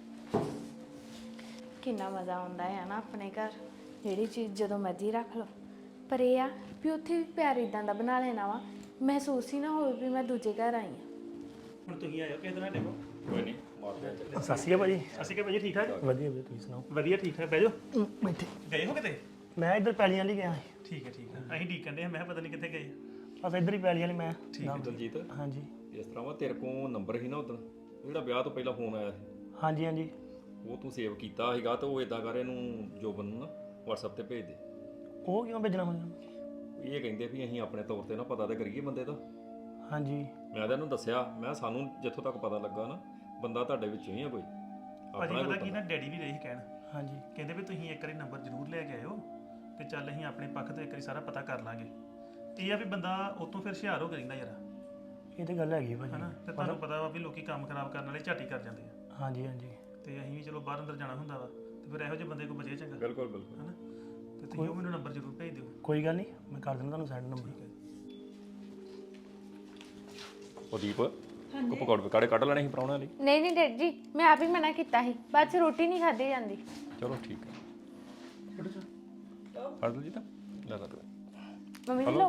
[SPEAKER 2] ਕਿੰਨਾ ਮਜ਼ਾ ਆਉਂਦਾ ਹੈ ਨਾ ਆਪਣੇ ਘਰ ਜਿਹੜੀ ਚੀਜ਼ ਜਦੋਂ ਮਰਜ਼ੀ ਰੱਖ ਲਓ ਪਰ ਇਹ ਆ ਵੀ ਉੱਥੇ ਵੀ ਪਿਆਰ ਇਦਾਂ ਦਾ ਬਣਾ ਲੈਣਾ ਵਾ ਮਹਿਸੂਸ ਹੀ ਨਾ ਹੋਵੇ ਵੀ ਮੈਂ ਦੂਜੇ ਘਰ ਆਈ ਆ
[SPEAKER 1] ਹੁਣ ਤੁਸੀਂ ਆਇਓ ਕਿਸੇ ਦਿਨ ਦੇਖੋ
[SPEAKER 3] ਕੋਈ ਨਹੀਂ ਮਾਰਦੇ ਆ ਚੱਲੇ।
[SPEAKER 1] ਸਤਿ ਸ਼੍ਰੀ ਅਕਾਲ ਭਾਜੀ ਸਤਿ ਸ਼੍ਰੀ ਅਕਾਲ ਭਾਜੀ ਠੀਕ ਠਾਕ
[SPEAKER 6] ਵਧੀਆ ਵਧੀਆ ਤੁਸੀਂ ਸੁਣਾਓ
[SPEAKER 1] ਵਧੀਆ ਠੀਕ ਠਾਕ ਬਹਿ ਜਾਓ
[SPEAKER 6] ਇੱਥੇ
[SPEAKER 1] ਗਏ ਹੋ ਕਿਤੇ
[SPEAKER 6] ਮੈਂ ਇੱਧਰ ਪੈਲੀਆਂ ਲਈ ਗਿਆ ਸੀ
[SPEAKER 1] ਠੀਕ ਹੈ ਅਸੀਂ ਡੀਕਣ ਦੇ ਮੈਂ ਕਿਹਾ ਪਤਾ ਨਹੀਂ ਕਿੱਥੇ ਗਏ
[SPEAKER 6] ਬਸ ਇੱਧਰ ਹੀ ਪੈਲੀਆਂ ਲਈ ਮੈਂ
[SPEAKER 3] ਠੀਕ ਹੈ ਦਲਜੀਤ
[SPEAKER 6] ਹਾਂਜੀ
[SPEAKER 3] ਇਸ ਤਰ੍ਹਾਂ ਵਾ ਤੇਰੇ ਕੋਲ ਨੰਬਰ ਸੀ ਨਾ ਉਦੋਂ ਜਿਹੜਾ ਵਿਆਹ ਤੋਂ ਪਹਿਲਾਂ ਫੋਨ ਆਇਆ ਸੀ
[SPEAKER 6] ਹਾਂਜੀ ਹਾਂਜੀ
[SPEAKER 3] ਉਹ ਤੂੰ ਸੇਵ ਕੀਤਾ ਸੀਗਾ ਤੇ ਉਹ ਇਦਾਂ ਕਰ ਇਹਨੂੰ ਜੋਬਨ ਨੂੰ ਨਾ WhatsApp ਤੇ ਭੇਜ ਦੇ
[SPEAKER 6] ਉਹ ਕਿਉਂ ਭੇਜਣਾ ਹੁੰਦਾ
[SPEAKER 3] ਇਹ ਕਹਿੰਦੇ ਵੀ ਅਸੀਂ ਆਪਣੇ ਤੌਰ ਤੇ ਨਾ ਪਤਾ ਤਾਂ ਕਰੀਏ ਬੰਦੇ ਦਾ
[SPEAKER 6] ਹਾਂਜੀ
[SPEAKER 3] ਮੈਂ ਤਾਂ ਇਹਨੂੰ ਦੱਸਿਆ ਮੈਂ ਸਾਨੂੰ ਜਿੱਥੋਂ ਤੱਕ ਪਤਾ ਲੱਗਾ ਨਾ ਬੰਦਾ ਤੁਹਾਡੇ ਵਿੱਚੋਂ ਹੀ ਆ ਕੋਈ
[SPEAKER 1] ਭਾਜੀ ਪਤਾ ਕੀ ਨਾ ਡੈਡੀ ਵੀ ਰਹੀ ਕਹਿਣ
[SPEAKER 6] ਹਾਂਜੀ
[SPEAKER 1] ਕਹਿੰਦੇ ਵੀ ਤੁਸੀਂ ਇੱਕ ਵਾਰੀ ਨੰਬਰ ਜ਼ਰੂਰ ਲੈ ਕੇ ਆਇਓ ਤੇ ਚੱਲ ਅਸੀਂ ਆਪਣੇ ਪੱਖ ਤੋਂ ਇੱਕ ਵਾਰੀ ਸਾਰਾ ਪਤਾ ਕਰ ਲਾਂਗੇ ਇਹ ਆ ਵੀ ਬੰਦਾ ਉਤੋਂ ਫਿਰ ਹੁਸ਼ਿਆਰ ਹੋ ਕੇ ਰਹਿੰਦਾ ਯਾਰ
[SPEAKER 6] ਇਹ ਤੇ ਗੱਲ ਹੈਗੀ ਭਾਜੀ
[SPEAKER 1] ਹਨਾ ਤੇ ਤੁਹਾਨੂੰ ਪਤਾ ਵਾ ਵੀ ਲੋਕੀ ਕੰਮ ਖਰਾਬ ਕਰਨ ਵਾਲੇ ਝਾਟੀ ਕਰ ਜਾਂਦੇ ਆ
[SPEAKER 6] ਹਾਂਜੀ ਹਾਂਜੀ
[SPEAKER 1] ਤੇ ਅਸੀਂ ਵੀ ਚਲੋ ਬਾਹਰ ਅੰਦਰ ਜਾਣਾ ਹੁੰਦਾ ਵਾ ਤੇ ਫਿਰ ਇਹੋ ਜਿਹੇ ਬੰਦੇ ਕੋਲ ਬਚੇ ਚੰਗਾ
[SPEAKER 3] ਬਿਲਕੁਲ ਬਿਲਕੁਲ
[SPEAKER 1] ਹਨਾ ਤੇ ਤੁਸੀਂ ਉਹ ਮੈਨੂੰ ਨੰਬਰ ਜ਼ਰੂਰ ਭੇਜ ਦਿਓ
[SPEAKER 6] ਕੋਈ ਗੱਲ ਨਹੀਂ ਮੈਂ ਕਰ ਦਿੰਦਾ ਤੁਹਾਨੂੰ ਸੈਂਡ ਨੰਬਰ
[SPEAKER 3] ਉਹ ਦੀਪ ਕੋ ਪਕੌੜੇ ਕੱਢ ਲੈਣੇ ਸੀ ਪਰਾਉਣੇ ਲਈ
[SPEAKER 2] ਨਹੀਂ ਨਹੀਂ ਡੈਡ ਜੀ ਮੈਂ ਆਪ ਹੀ ਮਨਾ ਕੀਤਾ ਸੀ ਬਾਅਦ ਚ ਰੋਟੀ ਨਹੀਂ ਖਾਧੀ ਜਾਂਦੀ
[SPEAKER 3] ਚਲੋ ਠੀਕ ਹੈ ਫੜ ਦਲਜੀਤ ਲੈ ਲਾ ਤੂੰ
[SPEAKER 2] ਮੰਮੀ ਜੀ ਲੋ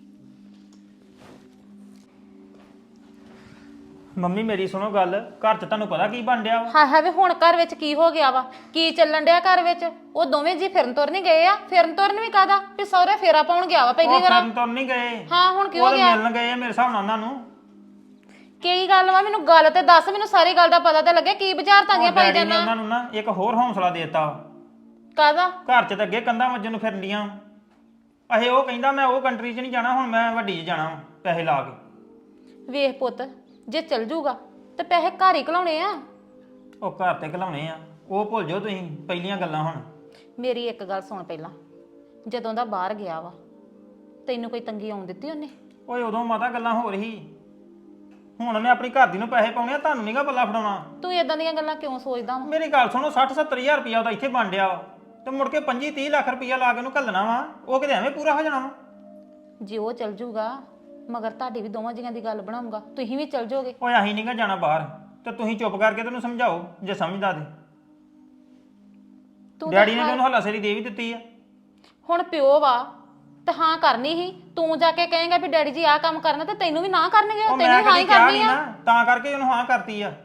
[SPEAKER 4] ਮੰਮੀ ਮੇਰੀ ਸੁਣੋ ਗੱਲ ਘਰ 'ਚ ਤੁਹਾਨੂੰ ਪਤਾ ਕੀ ਬਣ ਡਿਆ ਵਾ
[SPEAKER 7] ਹਾਂ ਹੈ ਵੇ ਹੁਣ ਘਰ ਵਿੱਚ ਕੀ ਹੋ ਗਿਆ ਵਾ ਕੀ ਚੱਲਣ ਡਿਆ ਘਰ ਵਿੱਚ ਉਹ ਦੋਵੇਂ ਜੀ ਫਿਰਨ ਤੁਰਨ ਨਹੀਂ ਗਏ ਆ ਫਿਰਨ ਤੁਰਨ ਵੀ ਕਾਦਾ ਵੀ ਸਹੁਰੇ ਫੇਰਾ ਪਾਉਣ ਗਿਆ ਵਾ ਪਹਿਲੀ
[SPEAKER 4] ਉਹ
[SPEAKER 7] ਵਾਰ
[SPEAKER 4] ਫਿਰਨ ਤੁਰਨ ਨਹੀਂ ਗਏ
[SPEAKER 7] ਹਾਂ ਹੁਣ ਕਿਉਂ
[SPEAKER 4] ਉਹ ਤਾਂ
[SPEAKER 7] ਗਿਆ
[SPEAKER 4] ਮਿਲਣ ਗਏ ਆ ਮੇਰੇ ਹਿਸਾਬ ਨਾਲ ਉਹਨਾਂ ਨੂੰ
[SPEAKER 7] ਕੀ ਗੱਲ ਵਾ ਮੈਨੂੰ ਗੱਲ ਤੇ ਦੱਸ ਮੈਨੂੰ ਸਾਰੀ ਗੱਲ ਦਾ ਪਤਾ ਤੇ ਲੱਗੇ ਕੀ ਵਿਚਾਰਤਾਂ ਦੀਆਂ ਪਾਈ
[SPEAKER 4] ਡੈਡੀ ਨੇ
[SPEAKER 7] ਜਾਣਾ
[SPEAKER 4] ਉਹਨਾਂ ਨੂੰ ਨਾ ਇੱਕ ਹੋਰ ਹੌਸਲਾ ਦੇਤਾ
[SPEAKER 7] ਕਾਦਾ
[SPEAKER 4] ਘਰ 'ਚ ਤਾਂ ਅੱਗੇ ਕੰਧਾਂ ਵੱਜਣ ਨੂੰ ਫਿਰਨੀਆਂ ਅਹੇ ਉਹ ਕਹਿੰਦਾ ਮੈਂ ਉਹ ਕੰਟਰੀ 'ਚ ਨਹੀਂ ਜਾਣਾ ਹੁਣ ਮੈਂ ਵੱਡੀ 'ਚ ਜਾਣਾ ਵਾਂ, ਪੈਸੇ ਲਾ ਕੇ
[SPEAKER 7] ਵੇਖ ਪੁੱਤ ਜੇ ਚੱਲ ਜੂਗਾ ਤੇ ਪੈਸੇ ਘਰ ਹੀ ਘਲਾਉਣੇ ਆ
[SPEAKER 4] ਉਹ ਘਰ ਤੇ ਘਲਾਉਣੇ ਆ ਉਹ ਭੁੱਲ ਜਾਓ ਤੁਸੀਂ ਪਹਿਲੀਆਂ ਗੱਲਾਂ ਹੁਣ
[SPEAKER 7] ਮੇਰੀ ਇੱਕ ਗੱਲ ਸੁਣ ਪਹਿਲਾਂ ਜਦੋਂ ਦਾ ਬਾਹਰ ਗਿਆ ਵਾ ਤੈਨੂੰ ਕੋਈ ਤੰਗੀ ਆਉਣ ਦਿੱਤੀ ਉਹਨੇ
[SPEAKER 4] ਓਏ ਉਦੋਂ ਮਾਤਾ ਗੱਲਾਂ ਹੋ ਰਹੀ ਹੁਣ ਮੈਂ ਆਪਣੀ ਘਰ ਦੀ ਨੂੰ ਪੈਸੇ ਪਾਉਣੇ ਆ ਤੁਹਾਨੂੰ ਨਹੀਂਗਾ ਪੱਲਾ ਫੜਾਉਣਾ
[SPEAKER 7] ਤੂੰ ਇਦਾਂ ਦੀਆਂ ਗੱਲਾਂ ਕਿਉਂ ਸੋਚਦਾ ਵਾ
[SPEAKER 4] ਮੇਰੀ ਗੱਲ ਸੁਣੋ 60-70 ਹਜ਼ਾਰ ਰੁਪਇਆ ਉਹਦਾ ਇੱਥੇ ਬਣ ਡਿਆ ਵਾ ਤੇ ਮੁੜ ਕੇ 25-30 ਲੱਖ ਰੁਪਇਆ ਲਾ ਕੇ ਉਹਨੂੰ ਘੱਲਣਾ ਵਾ ਉਹ ਕਿਤੇ ਐਵੇਂ ਪੂਰਾ ਹੋ ਜਾਣਾ ਵਾ
[SPEAKER 7] ਜੇ ਉਹ ਚੱਲ ਜੂਗਾ ਮਗਰ ਤੁਹਾਡੀ ਵੀ ਦੋਵਾਂ ਜੀਆਂ ਦੀ ਗੱਲ ਬਣਾਉਂਗਾ ਤੁਸੀਂ ਵੀ ਚੱਲ ਜਾਓਗੇ
[SPEAKER 4] ਓਏ ਅਸੀਂ ਨਹੀਂਗਾ ਜਾਣਾ ਬਾਹਰ ਤੇ ਤੁਸੀਂ ਚੁੱਪ ਕਰਕੇ ਤੈਨੂੰ ਸਮਝਾਓ ਜੇ ਸਮਝਦਾ ਤੇ
[SPEAKER 7] ਤੂੰ
[SPEAKER 4] ਡੈਡੀ ਨੇ ਉਹਨੂੰ ਹੱਲਾਸ਼ੇਰੀ ਦੇ ਵੀ ਦਿੱਤੀ ਆ
[SPEAKER 7] ਹੁਣ ਪਿਓ ਵਾ ਤਾਂ ਹਾਂ ਕਰਨੀ ਹੀ ਤੂੰ ਜਾ ਕੇ ਕਹੇਂਗਾ ਵੀ ਡੈਡੀ ਜੀ ਆਹ ਕੰਮ ਕਰਨਾ ਤੇ ਤੈਨੂੰ ਵੀ ਨਾ ਕਰਨਗੇ
[SPEAKER 4] ਉਹ
[SPEAKER 7] ਤੈਨੂੰ
[SPEAKER 4] ਮੈਂ
[SPEAKER 7] ਹਾਂ
[SPEAKER 4] ਕਦੀ
[SPEAKER 7] ਹੀ
[SPEAKER 4] ਕਿਹਾ
[SPEAKER 7] ਕਰਨੀ
[SPEAKER 4] ਨਹੀਂ
[SPEAKER 7] ਆ
[SPEAKER 4] ਨਾ ਤਾਂ ਕਰਕੇ ਉਹਨੂੰ ਹਾਂ ਕਰਤੀ ਆ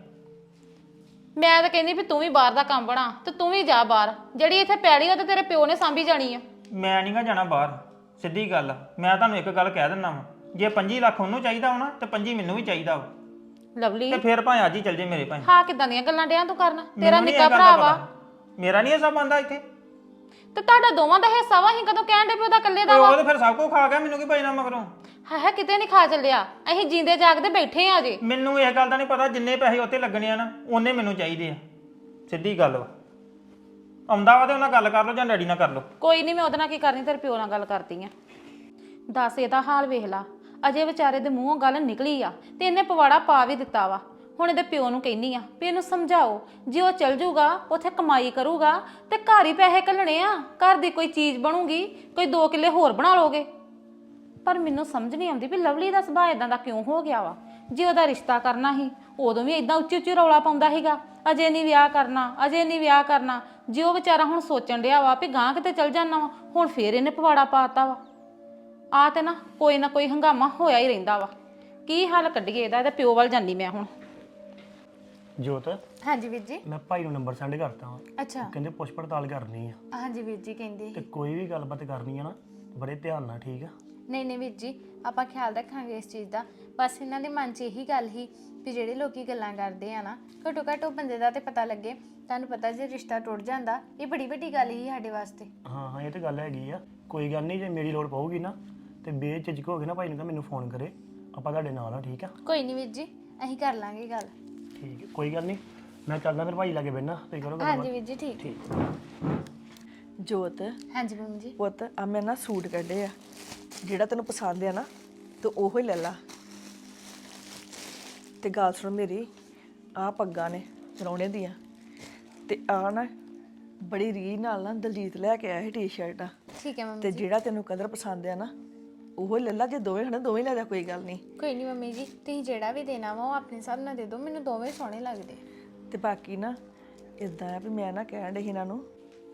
[SPEAKER 7] ਮੈਂ ਤਾਂ ਕਹਿੰਦੀ ਵੀ ਤੂੰ ਵੀ ਬਾਹਰ ਦਾ ਕੰਮ ਬਣਾ ਤੇ ਤੂੰ ਵੀ ਜਾ ਬਾਹਰ ਜਿਹੜੀ ਇੱਥੇ ਪੈੜੀ ਉਹ ਤੇ ਤੇਰੇ ਪਿਓ ਨੇ ਸਾਂਭੀ ਜਾਣੀ ਆ
[SPEAKER 4] ਮੈਂ ਨਹੀਂਗਾ ਜਾਣਾ ਬਾਹਰ ਸਿੱਧੀ ਗੱਲ ਆ ਮੈਂ ਤੁਹਾਨੂੰ ਇੱਕ ਗੱਲ ਕਹਿ ਦਿੰਦਾ ਵਾਂ ਜੇ 25 ਲੱਖ ਉਹਨੂੰ ਚਾਹੀਦਾ ਹੋਣਾ ਤੇ 25 ਮੈਨੂੰ ਵੀ ਚਾਹੀਦਾ ਵਾ
[SPEAKER 7] ਲਵਲੀ
[SPEAKER 4] ਤੇ ਫਿਰ ਭਾਵੇਂ ਅੱਜ ਹੀ ਚੱਲ ਜੇ ਮੇਰੇ ਭਾਵੇਂ
[SPEAKER 7] ਹਾਂ ਕਿਦਾਂ ਦੀਆਂ ਗੱਲਾਂ ਡਿਆਂ ਤੂੰ ਕਰਨਾ ਤੇਰਾ
[SPEAKER 4] ਮੈਨੂੰ ਨੀ ਇਹ
[SPEAKER 7] ਨਿੱਕਾ
[SPEAKER 4] ਗੱਲ
[SPEAKER 7] ਭਰਾ
[SPEAKER 4] ਦਾ
[SPEAKER 7] ਵਾ
[SPEAKER 4] ਪਤਾ। ਮੇਰਾ ਨਹੀਂ ਹਿੱਸਾ ਬਣਦਾ ਇੱਥੇ
[SPEAKER 7] ਤੇ ਤੁਹਾਡਾ ਦੋਵਾਂ ਦਾ ਹਿੱਸਾ ਵਾ ਅਸੀਂ ਕਦੋਂ ਕਹਿਣ ਦੇ ਵੀ ਉਹਦਾ ਇਕੱਲੇ ਦਾ
[SPEAKER 4] ਓਏ
[SPEAKER 7] ਵਾ
[SPEAKER 4] ਉਹ ਤੇ ਫਿਰ ਸਭ ਕੁਝ ਖਾ ਗਿਆ ਮੈਨੂੰ ਕੀ ਪਈਨਾ ਮਗਰੋਂ
[SPEAKER 7] ਹੈ ਕਿਤੇ ਨਹੀਂ ਖਾ ਚੱਲਿਆ ਅਸੀਂ ਜੀਂਦੇ ਜਾਗਦੇ ਬੈਠੇ ਆ ਜੇ
[SPEAKER 4] ਮੈਨੂੰ ਇਹ ਗੱਲ ਦਾ ਨਹੀਂ ਪਤਾ ਜਿੰਨੇ ਪੈਸੇ ਉੱਤੇ ਲੱਗਣੇ ਆ ਨਾ ਉਹਨੇ ਮੈਨੂੰ ਚਾਹੀਦੇ ਆ ਸਿੱਧੀ ਗੱਲ ਵਾ ਆਉਂਦਾ ਵਾ ਤੇ ਉਹਨਾਂ ਗੱਲ ਕਰ ਲਓ ਜਾਂ ਡੈਡੀ ਨਾਲ ਕਰ ਲਓ
[SPEAKER 7] ਕੋਈ ਨਹੀਂ ਮੈਂ ਉਹਦੇ ਨਾਲ ਕੀ ਕਰਨੀ ਤੇਰੇ ਪਿਓ ਨਾਲ ਗੱਲ ਕਰਦੀ ਆ ਦੱਸ ਇਹਦਾ ਹਾਲ ਵੇਖ ਲਾ ਅਜੇ ਵਿਚਾਰੇ ਦੇ ਮੂੰਹੋਂ ਗੱਲ ਨਿਕਲੀ ਆ ਤੇ ਇਹਨੇ ਪਵਾੜਾ ਪਾ ਵੀ ਦਿੱਤਾ ਵਾ ਹੁਣ ਇਹਦੇ ਪਿਓ ਨੂੰ ਕਹਿੰਨੀ ਆ ਵੀ ਇਹਨੂੰ ਸਮਝਾਓ ਜੇ ਉਹ ਚੱਲ ਜੂਗਾ ਉੱਥੇ ਕਮਾਈ ਕਰੂਗਾ ਤੇ ਘਰ ਹੀ ਪੈਸੇ ਘੱਲਣੇ ਆ ਘਰ ਦੀ ਕੋਈ ਚੀਜ਼ ਬਣੂਗੀ ਕੋਈ 2 ਕਿੱਲੇ ਹੋਰ ਬਣਾ ਲੋਗੇ ਪਰ ਮੈਨੂੰ ਸਮਝ ਨਹੀਂ ਆਉਂਦੀ ਵੀ ਲਵਲੀ ਦਾ ਸੁਭਾਅ ਇਦਾਂ ਦਾ ਕਿਉਂ ਹੋ ਗਿਆ ਵਾ ਜੇ ਉਹਦਾ ਰਿਸ਼ਤਾ ਕਰਨਾ ਸੀ ਉਦੋਂ ਵੀ ਇਦਾਂ ਉੱਚੀ ਉੱਚੀ ਰੌਲਾ ਪਾਉਂਦਾ ਸੀਗਾ ਅਜੇ ਨਹੀਂ ਵਿਆਹ ਕਰਨਾ ਅਜੇ ਨਹੀਂ ਵਿਆਹ ਕਰਨਾ ਜੇ ਉਹ ਵਿਚਾਰਾ ਹੁਣ ਸੋਚਣ ਡਿਆ ਵਾ ਵੀ ਗਾਂ ਕਿਤੇ ਚੱਲ ਜਾਣਾ ਵਾ ਹੁਣ ਫੇਰ ਇਹਨੇ ਪਵਾੜਾ ਪਾਤਾ ਵਾ ਆ ਤੇ ਨਾ ਕੋਈ ਹੰਗਾਮਾ ਹੋਇਆ ਹੀ ਰਹਿੰਦਾ ਵਾ ਕੀ ਹੱਲ ਕੱਢੀਏ ਇਹਦਾ ਪਿਓ ਵੱਲ ਜਾਂਦੀ ਮੈਂ ਹੁਣ
[SPEAKER 6] ਜੋਤ
[SPEAKER 2] ਹਾਂਜੀ ਵੀਰ ਜੀ
[SPEAKER 6] ਮੈਂ ਭਾਈ ਨੂੰ ਨੰਬਰ ਸੈਂਡ ਕਰਤਾ ਵਾ
[SPEAKER 2] ਅੱਛਾ
[SPEAKER 6] ਕਹਿੰਦੇ ਪੁੱਛ ਪੜਤਾਲ ਕਰਨੀ ਆ
[SPEAKER 2] ਹਾਂਜੀ ਵੀਰ ਜੀ ਕਹਿੰਦੇ
[SPEAKER 6] ਤੇ ਕੋਈ ਵੀ ਗੱਲਬਾਤ ਕਰਨੀ ਆ ਨਾ ਬੜੇ ਧਿਆਨ ਨਾਲ ਠੀਕ ਆ
[SPEAKER 2] ਨਹੀਂ ਵੀਰ ਜੀ ਆਪਾਂ ਖਿਆਲ ਰੱਖਾਂਗੇ ਇਸ ਚੀਜ਼ ਦਾ ਬਸ ਇਹਨਾਂ ਦੇ ਮਨ 'ਚ ਇਹੀ ਗੱਲ ਹੀ ਵੀ ਜਿਹੜੇ ਲੋਕੀ ਗੱਲਾਂ ਕਰਦੇ ਆ ਨਾ ਘੱਟੋ ਘੱਟ ਉਹ ਬੰਦੇ ਦਾ ਤੇ ਪਤਾ ਲੱਗੇ ਤੁਹਾਨੂੰ ਪਤਾ ਜੇ ਰਿਸ਼ਤਾ ਟੁੱਟ ਜਾਂਦਾ ਇਹ ਬੜੀ ਵੱਡੀ ਗੱਲ ਹੀ ਸਾਡੇ ਵਾਸਤੇ
[SPEAKER 6] ਹਾਂ ਇਹ ਤੇ ਗੱਲ ਹੈਗੀ ਆ ਕੋਈ ਗੱਲ ਨਹੀਂ ਜੇ ਮੇਰੀ ਲੋੜ ਪਊਗੀ ਨਾ ਤੇ ਬੇਝਿਜਕ ਹੋ ਕੇ ਨਾ ਭਾਈ ਨੂੰ ਕਹ ਮੈਨੂੰ ਫੋਨ ਕਰੇ ਆਪਾਂ ਤੁਹਾਡੇ ਨਾਲ ਆ ਠੀਕ ਆ
[SPEAKER 2] ਕੋਈ ਨਹੀਂ ਵੀਰ ਜੀ ਅਸੀਂ ਕਰ ਲਾਂਗੇ ਗੱਲ
[SPEAKER 6] ਠੀਕ ਹੈ ਕੋਈ ਗੱਲ ਨਹੀਂ ਮੈਂ ਚੱਲਦਾ ਫਿਰ ਭਾਈ ਲਾਗੇ ਬੈਠਣਾ ਤੁਸੀਂ ਕਰੋ ਗੱਲ
[SPEAKER 2] ਹਾਂਜੀ ਵੀਰ ਜੀ ਠੀਕ
[SPEAKER 5] ਜੋਤ
[SPEAKER 2] ਹਾਂਜੀ ਮੰਮੀ ਜੀ
[SPEAKER 5] ਪੁੱਤ ਆ ਮੈਂ ਨਾ ਸੂਟ ਕੱਢੇ ਆ ਜਿਹੜਾ ਤੈਨੂੰ ਪਸੰਦ ਆ ਨਾ ਤੂੰ ਉਹੋ ਹੀ ਲੈ ਲਾ ਤੇ ਗੱਲ ਸੁਣ ਮੇਰੀ ਆ ਪੱਗਾਂ ਨੇ ਰੌਣੇ ਦੀਆਂ ਤੇ ਆ ਨਾ ਬੜੀ ਰੀਝ ਨਾਲ ਨਾ ਦਲਜੀਤ ਲੈ ਕੇ ਆਇਆ ਸੀ ਟੀ-ਸ਼ਰਟਾਂ
[SPEAKER 2] ਠੀਕ ਹੈ ਮੰਮੀ
[SPEAKER 5] ਤੇ ਜਿਹੜਾ ਤੈਨੂੰ ਕਲਰ ਪਸੰਦ ਆ ਨਾ ਉਹ ਲੈ ਲਾ, ਜੇ ਦੋਵੇਂ ਹਨਾ ਦੋਵੇਂ ਲੈ ਜਾ, ਕੋਈ ਗੱਲ ਨਹੀਂ।
[SPEAKER 2] ਕੋਈ ਨਹੀਂ ਮੰਮੀ ਜੀ, ਤੁਸੀਂ ਜਿਹੜਾ ਵੀ ਦੇਣਾ ਵਾ ਉਹ ਆਪਣੇ ਹਿਸਾਬ ਨਾਲ ਦੇ ਦਿਓ, ਮੈਨੂੰ ਦੋਵੇਂ ਸੋਹਣੇ ਲੱਗਦੇ।
[SPEAKER 5] ਤੇ ਬਾਕੀ ਨਾ ਇਦਾਂ ਆ ਵੀ ਮੈਂ ਨਾ ਕਹਿਣ ਡਈ ਸੀ ਇਹਨਾਂ ਨੂੰ,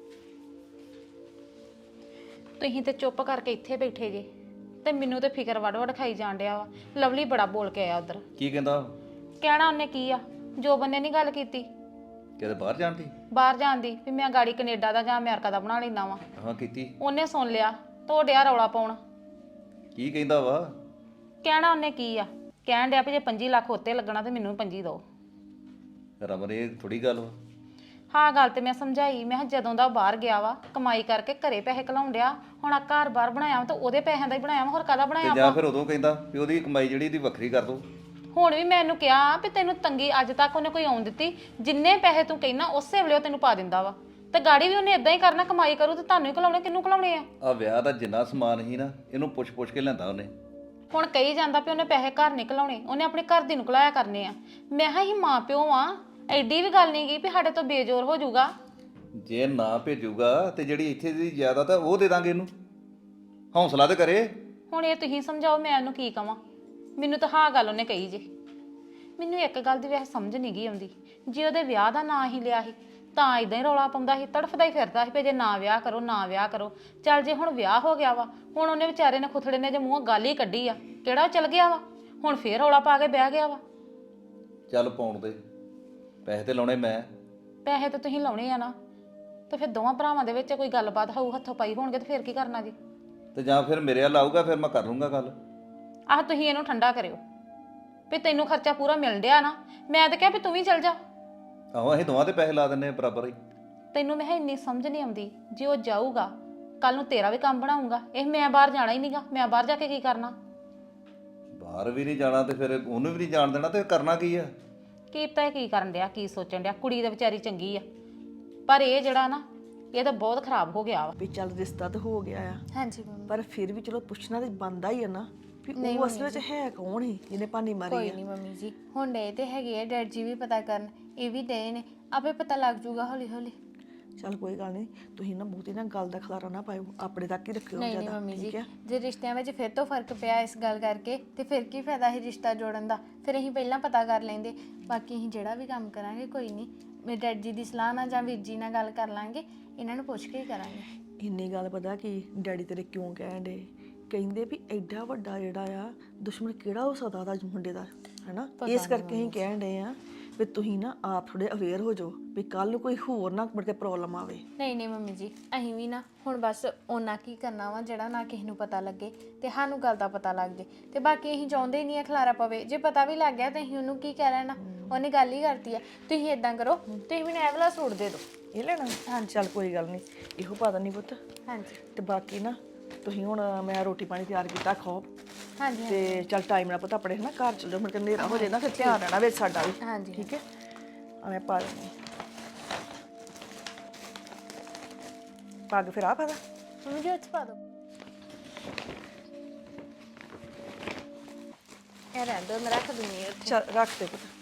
[SPEAKER 7] ਤੁਸੀਂ ਤੇ ਚੁੱਪ ਕਰਕੇ ਇੱਥੇ ਬੈਠੇ ਜੇ ਤੇ ਮੈਨੂੰ ਤੇ ਫਿਕਰ ਵੜ ਖਾਈ ਜਾਣ ਡਿਆ ਵਾ। ਲਵਲੀ ਬੜਾ ਬੋਲ ਕੇ ਆਇਆ ਉਧਰ।
[SPEAKER 8] ਕੀ ਕਹਿੰਦਾ?
[SPEAKER 7] ਕਹਿਣਾ ਉਹਨੇ ਕੀ ਆ, ਜੋਬਨ ਨੇ ਨਹੀਂ ਗੱਲ ਕੀਤੀ
[SPEAKER 8] ਕਿਤੇ ਬਾਹਰ ਜਾਣ ਦੀ?
[SPEAKER 7] ਬਾਹਰ ਜਾਣ ਦੀ ਵੀ ਮੈਂ ਗਾੜੀ ਕੈਨੇਡਾ ਦਾ ਜਾਂ ਅਮਰੀਕਾ ਦਾ ਬਣਾ ਲੈਂਦਾ ਵਾਂ।
[SPEAKER 8] ਹਾਂ ਕੀਤੀ।
[SPEAKER 7] ਉਹਨੇ ਸੁਣ ਲਿਆ ਤੋ ਡਿਆ ਰੌਲਾ ਪਾਉਣ।
[SPEAKER 8] ਕੀ ਕਹਿੰਦਾ ਵਾ?
[SPEAKER 7] ਕਹਿਣਾ ਉਹਨੇ ਕੀ ਆ, ਕਹਿਣ ਡਿਆ ਵੀ ਜੇ 25 ਲੱਖ ਉੱਤੇ ਲੱਗਣਾ ਤੇ ਮੈਨੂੰ 25 ਦਿਓ।
[SPEAKER 8] ਰਮਨ ਇਹ ਥੋੜੀ ਗੱਲ ਵਾ।
[SPEAKER 7] ਹਾਂ ਗੱਲ ਤੇ ਮੈਂ ਸਮਝਾਈ, ਮੈਂ ਕਿਹਾ ਜਦੋਂ ਦਾ ਉਹ ਬਾਹਰ ਗਿਆ ਵਾ ਕਮਾਈ ਕਰਕੇ ਘਰੇ ਪੈਸੇ ਘਲਾਉਣ ਡਿਆ, ਹੁਣ ਆ ਘਰ ਬਾਹਰ ਬਣਾਇਆ ਵਾ ਤਾਂ ਉਹਦੇ ਪੈਸਿਆਂ ਦਾ ਹੀ ਬਣਾਇਆ ਵਾ, ਹੋਰ ਕਾਹਦਾ
[SPEAKER 8] ਤੇ
[SPEAKER 7] ਬਣਾਇਆ
[SPEAKER 8] ਜਾਂ
[SPEAKER 7] ਵਾ।
[SPEAKER 8] ਫਿਰ ਉਦੋਂ ਕਹਿੰਦਾ ਵੀ ਉਹਦੀ ਕਮਾਈ ਜਿਹੜੀ ਦੀ ਵੱਖਰੀ ਕਰ ਦੋ।
[SPEAKER 7] ਹੁਣ ਵੀ ਮੈਂ ਇਹਨੂੰ ਕਿਹਾ ਵੀ ਤੈਨੂੰ ਤੰਗੀ ਅੱਜ ਤੱਕ ਉਹਨੇ ਕੋਈ ਆਉਣ ਦਿੱਤੀ, ਜਿੰਨੇ ਪੈਸੇ ਤੂੰ ਕਹਿਣਾ ਉਸੇ ਵੇਲੇ ਉਹ ਤੈਨੂੰ ਪਾ ਦਿੰਦਾ ਵਾ। ਤੇ ਗਾੜੀ ਵੀ ਉਹਨੇ ਇਦਾਂ ਹੀ ਕਰਨਾ, ਕਮਾਈ ਕਰੂ ਤੇ ਤੁਹਾਨੂੰ ਹੀ ਘਲਾਉਣੇ, ਕਿਹਨੂੰ ਘਲਾਉਣੇ ਆ।
[SPEAKER 8] ਆ ਵਿਆਹ ਦਾ ਜਿੰਨਾ ਸਮਾਨ ਸੀ ਨਾ ਇਹਨੂੰ ਪੁੱਛ ਕੇ ਲਿਆਂਦਾ ਉਹਨੇ।
[SPEAKER 7] ਹੁਣ ਕਹੀ ਜਾਂਦਾ ਵੀ ਉਹਨੇ ਪੈਸੇ ਘਰ ਨਿਕਲਾਉਣੇ, ਉਹਨੇ ਆਪਣੇ ਘਰ ਦੀ ਨਿਕਲਾਇਆ ਕਰਨੇ ਆ। ਮੈਂ ਕਿਹਾ ਹੀ ਮਾਂ ਪਿਓ ਆ, ਐਡੀ ਵੀ ਗੱਲ ਨਹੀਂ ਗਈ ਵੀ ਸਾਡੇ ਤੋਂ ਬੇਜੋਰ ਹੋ ਜਾਊਗਾ।
[SPEAKER 8] ਜੇ ਨਾ ਭੇਜੂਗਾ ਤੇ ਜਿਹੜੀ ਇੱਥੇ ਦੀ ਜ਼ਿਆਦਾ ਤਾਂ ਉਹ ਦੇ ਦਾਂਗੇ ਇਹਨੂੰ। ਹੌਸਲਾ ਤੇ ਕਰੇ।
[SPEAKER 7] ਹੁਣ ਇਹ ਤੁਸੀਂ ਸਮਝਾਓ ਮੈਂ ਉਹਨੂੰ ਕੀ ਕਵਾਂ। ਮੈਨੂੰ ਤਾਂ ਹਾਂ ਗੱਲ ਉਹਨੇ ਕਹੀ ਜੇ। ਮੈਨੂੰ ਇੱਕ ਗੱਲ ਦੀ ਵੈਸੇ ਸਮਝ ਨਹੀਂ ਗਈ ਆਉਂਦੀ, ਜੇ ਉਹਦੇ ਵਿਆਹ ਦਾ ਨਾਂ ਹੀ ਲਿਆ ਸੀ ਤਾਂ ਇਦਾਂ ਹੀ ਰੌਲਾ ਪਾਉਂਦਾ ਸੀ, ਤੜਫਦਾ ਹੀ ਫਿਰਦਾ ਸੀ ਵੀ ਜੇ ਨਾ ਵਿਆਹ ਕਰੋ ਨਾ ਵਿਆਹ ਕਰੋ। ਚੱਲ ਜੇ ਹੁਣ ਵਿਆਹ ਹੋ ਗਿਆ ਵਾ, ਹੁਣ ਉਹਨੇ ਵਿਚਾਰੇ ਨੇ ਖੁਥੜੇ ਨੇ ਜੇ ਮੂੰਹੋਂ ਗੱਲ ਹੀ ਕੱਢੀ ਆ, ਕਿਹੜਾ ਉਹ ਚਲ ਗਿਆ ਵਾ, ਹੁਣ ਫੇਰ ਰੌਲਾ ਪਾ ਕੇ ਬਹਿ ਗਿਆ ਵਾ।
[SPEAKER 8] ਚੱਲ ਪਾਉਣ ਦੇ, ਪੈਸੇ ਤੇ ਲਾਉਣੇ ਮੈਂ।
[SPEAKER 7] ਪੈਸੇ ਤਾਂ ਤੁਸੀਂ ਲਾਉਣੇ ਆ ਨਾ, ਤੇ ਫਿਰ ਦੋਵਾਂ ਭਰਾਵਾਂ ਦੇ ਵਿੱਚ ਕੋਈ ਗੱਲਬਾਤ ਹੋਊ, ਹੱਥੋਂ ਪਾਈ ਹੋਣਗੇ ਤੇ ਫਿਰ ਕੀ ਕਰਨਾ ਜੀ।
[SPEAKER 8] ਤੇ ਜਾਂ ਫਿਰ ਮੇਰੇ ਵੱਲ ਆਊਗਾ ਫਿਰ ਮੈਂ ਕਰ ਲੂੰਗਾ ਗੱਲ।
[SPEAKER 7] ਆਹ ਤੁਸੀਂ ਇਹਨੂੰ ਠੰਡਾ ਕਰਿਓ ਵੀ ਤੈਨੂੰ ਖਰਚਾ ਪੂਰਾ ਮਿਲ ਡਿਆ ਨਾ। ਮੈਂ ਤਾਂ ਕਿਹਾ ਵੀ ਤੂੰ ਵੀ ਚੱਲ ਜਾ।
[SPEAKER 8] ਆਹੋ ਅਸੀਂ ਦੋਵਾਂ ਤੇ ਪੈਸੇ ਲਾ ਦਿੰਨੇ ਬਰਾਬਰ ਹੀ।
[SPEAKER 7] ਤੈਨੂੰ ਮੈਂ ਇੰਨੀ ਸਮਝ ਨਹੀਂ ਆਉਂਦੀ, ਜੇ ਉਹ ਜਾਊਗਾ ਕੱਲ ਨੂੰ ਤੇਰਾ ਵੀ ਕੰਮ ਬਣਾਊਗਾ। ਇਹ ਮੈਂ ਬਾਹਰ ਜਾਣਾ ਹੀ ਨਹੀਂਗਾ, ਮੈਂ ਬਾਹਰ ਜਾ ਕੇ ਕੀ ਕਰਨਾ।
[SPEAKER 8] ਬਾਹਰ ਵੀ ਨਹੀਂ ਜਾਣਾ ਤੇ ਫਿਰ ਉਹਨੂੰ ਵੀ ਨਹੀਂ ਜਾਣ ਦੇਣਾ, ਤੇ ਕਰਨਾ ਕੀ ਆ?
[SPEAKER 7] ਕੀ ਪਤਾ ਇਹ ਕੀ ਕਰਨ ਡਿਆ, ਕੀ ਸੋਚਣ ਡਿਆ। ਕੁੜੀ ਤਾਂ ਵਿਚਾਰੀ ਚੰਗੀ ਆ, ਪਰ ਇਹ ਜਿਹੜਾ ਨਾ ਇਹ ਤਾਂ ਬਹੁਤ ਖਰਾਬ ਹੋ ਗਿਆ ਵਾ।
[SPEAKER 5] ਵੀ ਚੱਲ ਰਿਸ਼ਤਾ ਤਾਂ ਹੋ ਗਿਆ ਆ,
[SPEAKER 2] ਹਾਂਜੀ ਮੰਮੀ।
[SPEAKER 5] ਪਰ ਫਿਰ ਵੀ ਚਲੋ ਪੁੱਛਣਾ ਤੇ ਬਣਦਾ ਹੀ ਆ ਨਾ ਵੀ ਉਹ ਅਸਲ ਵਿੱਚ ਹੈ ਕੌਣ ਸੀ ਜਿਹਨੇ ਭਾਨੀ ਮਾਰੀ
[SPEAKER 2] ਕੋਈ
[SPEAKER 5] ਆ।
[SPEAKER 2] ਨਹੀਂ ਮੰਮੀ ਜੀ, ਹੁਣ ਡੇ ਤੇ ਹੈਗੇ ਆ ਡੈਡ ਜੀ ਵੀ ਪਤਾ ਕਰਨ, ਇਹ ਵੀ ਡੇ ਨੇ, ਆਪੇ ਪਤਾ ਲੱਗ ਜੂਗਾ ਹੌਲੀ ਹੌਲੀ।
[SPEAKER 5] ਚੱਲ ਕੋਈ ਗੱਲ ਨਹੀਂ, ਤੁਸੀਂ ਨਾ ਬਹੁਤੀ ਨਾ ਗੱਲ ਦਾ ਖਲਾਰਾ ਨਾ ਪਾਇਓ, ਆਪਣੇ ਤੱਕ ਹੀ ਰੱਖਿਓ
[SPEAKER 2] ਨਹੀਂ ਨਹੀਂ
[SPEAKER 5] ਜ਼ਿਆਦਾ,
[SPEAKER 2] ਮੰਮੀ ਜੀ,
[SPEAKER 5] ਠੀਕ ਹੈ?
[SPEAKER 2] ਜੇ ਰਿਸ਼ਤਿਆਂ ਵਿੱਚ ਫਿਰ ਤੋਂ ਫਰਕ ਪਿਆ ਇਸ ਗੱਲ ਕਰਕੇ ਤੇ ਫਿਰ ਕੀ ਫਾਇਦਾ ਸੀ ਰਿਸ਼ਤਾ ਜੋੜਨ ਦਾ। ਫਿਰ ਅਸੀਂ ਪਹਿਲਾਂ ਪਤਾ ਕਰ ਲੈਂਦੇ। ਬਾਕੀ ਅਸੀਂ ਜਿਹੜਾ ਵੀ ਕੰਮ ਕਰਾਂਗੇ ਕੋਈ ਨਹੀਂ, ਮੇਰੇ ਡੈਡ ਜੀ ਦੀ ਸਲਾਹ ਨਾਲ ਜਾਂ ਵੀਰ ਜੀ ਨਾਲ ਗੱਲ ਕਰ ਲਾਂਗੇ, ਇਹਨਾਂ ਨੂੰ ਪੁੱਛ ਕੇ ਹੀ ਕਰਾਂਗੇ।
[SPEAKER 5] ਇੰਨੀ ਗੱਲ ਪਤਾ ਕਿ ਡੈਡੀ ਤੇਰੇ ਕਿਉਂ ਕਹਿਣ ਡੇ, ਕਹਿੰਦੇ ਵੀ ਐਡਾ ਵੱਡਾ ਜਿਹੜਾ ਆ ਦੁਸ਼ਮਣ ਕਿਹੜਾ ਹੋ ਸਕਦਾ ਉਹਦਾ ਮੁੰਡੇ ਦਾ, ਹੈਨਾ? ਇਸ ਕਰਕੇ ਅਸੀਂ ਕਹਿਣ ਡੇ ਆ ਵੀ ਤੁਸੀਂ ਨਾ ਆਪ ਥੋੜੇ ਅਵੇਅਰ ਹੋ ਜਾਓ ਵੀ ਕੱਲ ਨੂੰ ਕੋਈ ਹੋਰ ਨਾ ਮੁੜ ਕੇ ਪ੍ਰੋਬਲਮ ਆਵੇ।
[SPEAKER 2] ਨਹੀਂ ਨਹੀਂ ਮੰਮੀ ਜੀ, ਅਸੀਂ ਵੀ ਨਾ ਹੁਣ ਬਸ ਉਹਨਾਂ ਕੀ ਕਰਨਾ ਵਾ ਜਿਹੜਾ ਨਾ ਕਿਸੇ ਨੂੰ ਪਤਾ ਲੱਗੇ ਤੇ ਸਾਨੂੰ ਗੱਲ ਦਾ ਪਤਾ ਲੱਗ ਜੇ। ਤੇ ਬਾਕੀ ਅਸੀਂ ਚਾਹੁੰਦੇ ਹੀ ਨਹੀਂ ਆ ਖਲਾਰਾ ਪਵੇ। ਜੇ ਪਤਾ ਵੀ ਲੱਗ ਗਿਆ ਤਾਂ ਅਸੀਂ ਉਹਨੂੰ ਕੀ ਕਹਿ ਲੈਣਾ, ਉਹਨੇ ਗੱਲ ਹੀ ਕਰਤੀ ਆ। ਤੁਸੀਂ ਇਦਾਂ ਕਰੋ, ਤੁਸੀਂ ਮੈਨੂੰ ਇਹ ਵਾਲਾ ਸੂਟ ਦੇ ਦਿਓ।
[SPEAKER 5] ਇਹ ਲੈਣਾ? ਹਾਂ ਚੱਲ ਕੋਈ ਗੱਲ ਨਹੀਂ, ਇਹੋ ਪਾ ਦਿੰਦੀ ਪੁੱਤ।
[SPEAKER 2] ਹਾਂਜੀ
[SPEAKER 5] ਤੇ ਬਾਕੀ ਨਾ ਤੁਸੀਂ ਹੁਣ ਮੈਂ ਰੋਟੀ ਪਾਣੀ ਤਿਆਰ ਕੀਤਾ, ਖਾਓ।
[SPEAKER 2] ਹਾਂਜੀ
[SPEAKER 5] ਤੇ ਚੱਲ ਟਾਈਮ ਨਾਲ ਪਤਾ ਆਪਣੇ ਨਾ ਘਰ ਚੱਲ ਜਾਓ, ਮੁੜ ਕੇ ਹਨੇਰਾ ਹੋ ਜਾਏ ਨਾ, ਫਿਰ ਧਿਆਨ ਰਹਿਣਾ ਵਿੱਚ ਸਾਡਾ ਵੀ।
[SPEAKER 2] ਹਾਂਜੀ
[SPEAKER 5] ਠੀਕ ਹੈ, ਆ ਮੈਂ ਪਾ ਦਿੰਦੀ ਪੱਗ। ਫਿਰ ਆ ਪਤਾ
[SPEAKER 2] ਮੰਮੀ ਜੀ ਉੱਚ ਪਾ ਦਿਓ। ਇਹ ਰਹਿਣ ਦਿਓ, ਮੈਂ ਰੱਖ ਦਿੰਦੀ ਹਾਂ ਉੱਥੇ।
[SPEAKER 5] ਚੱਲ ਰੱਖ ਦੇ ਪੁੱਤ।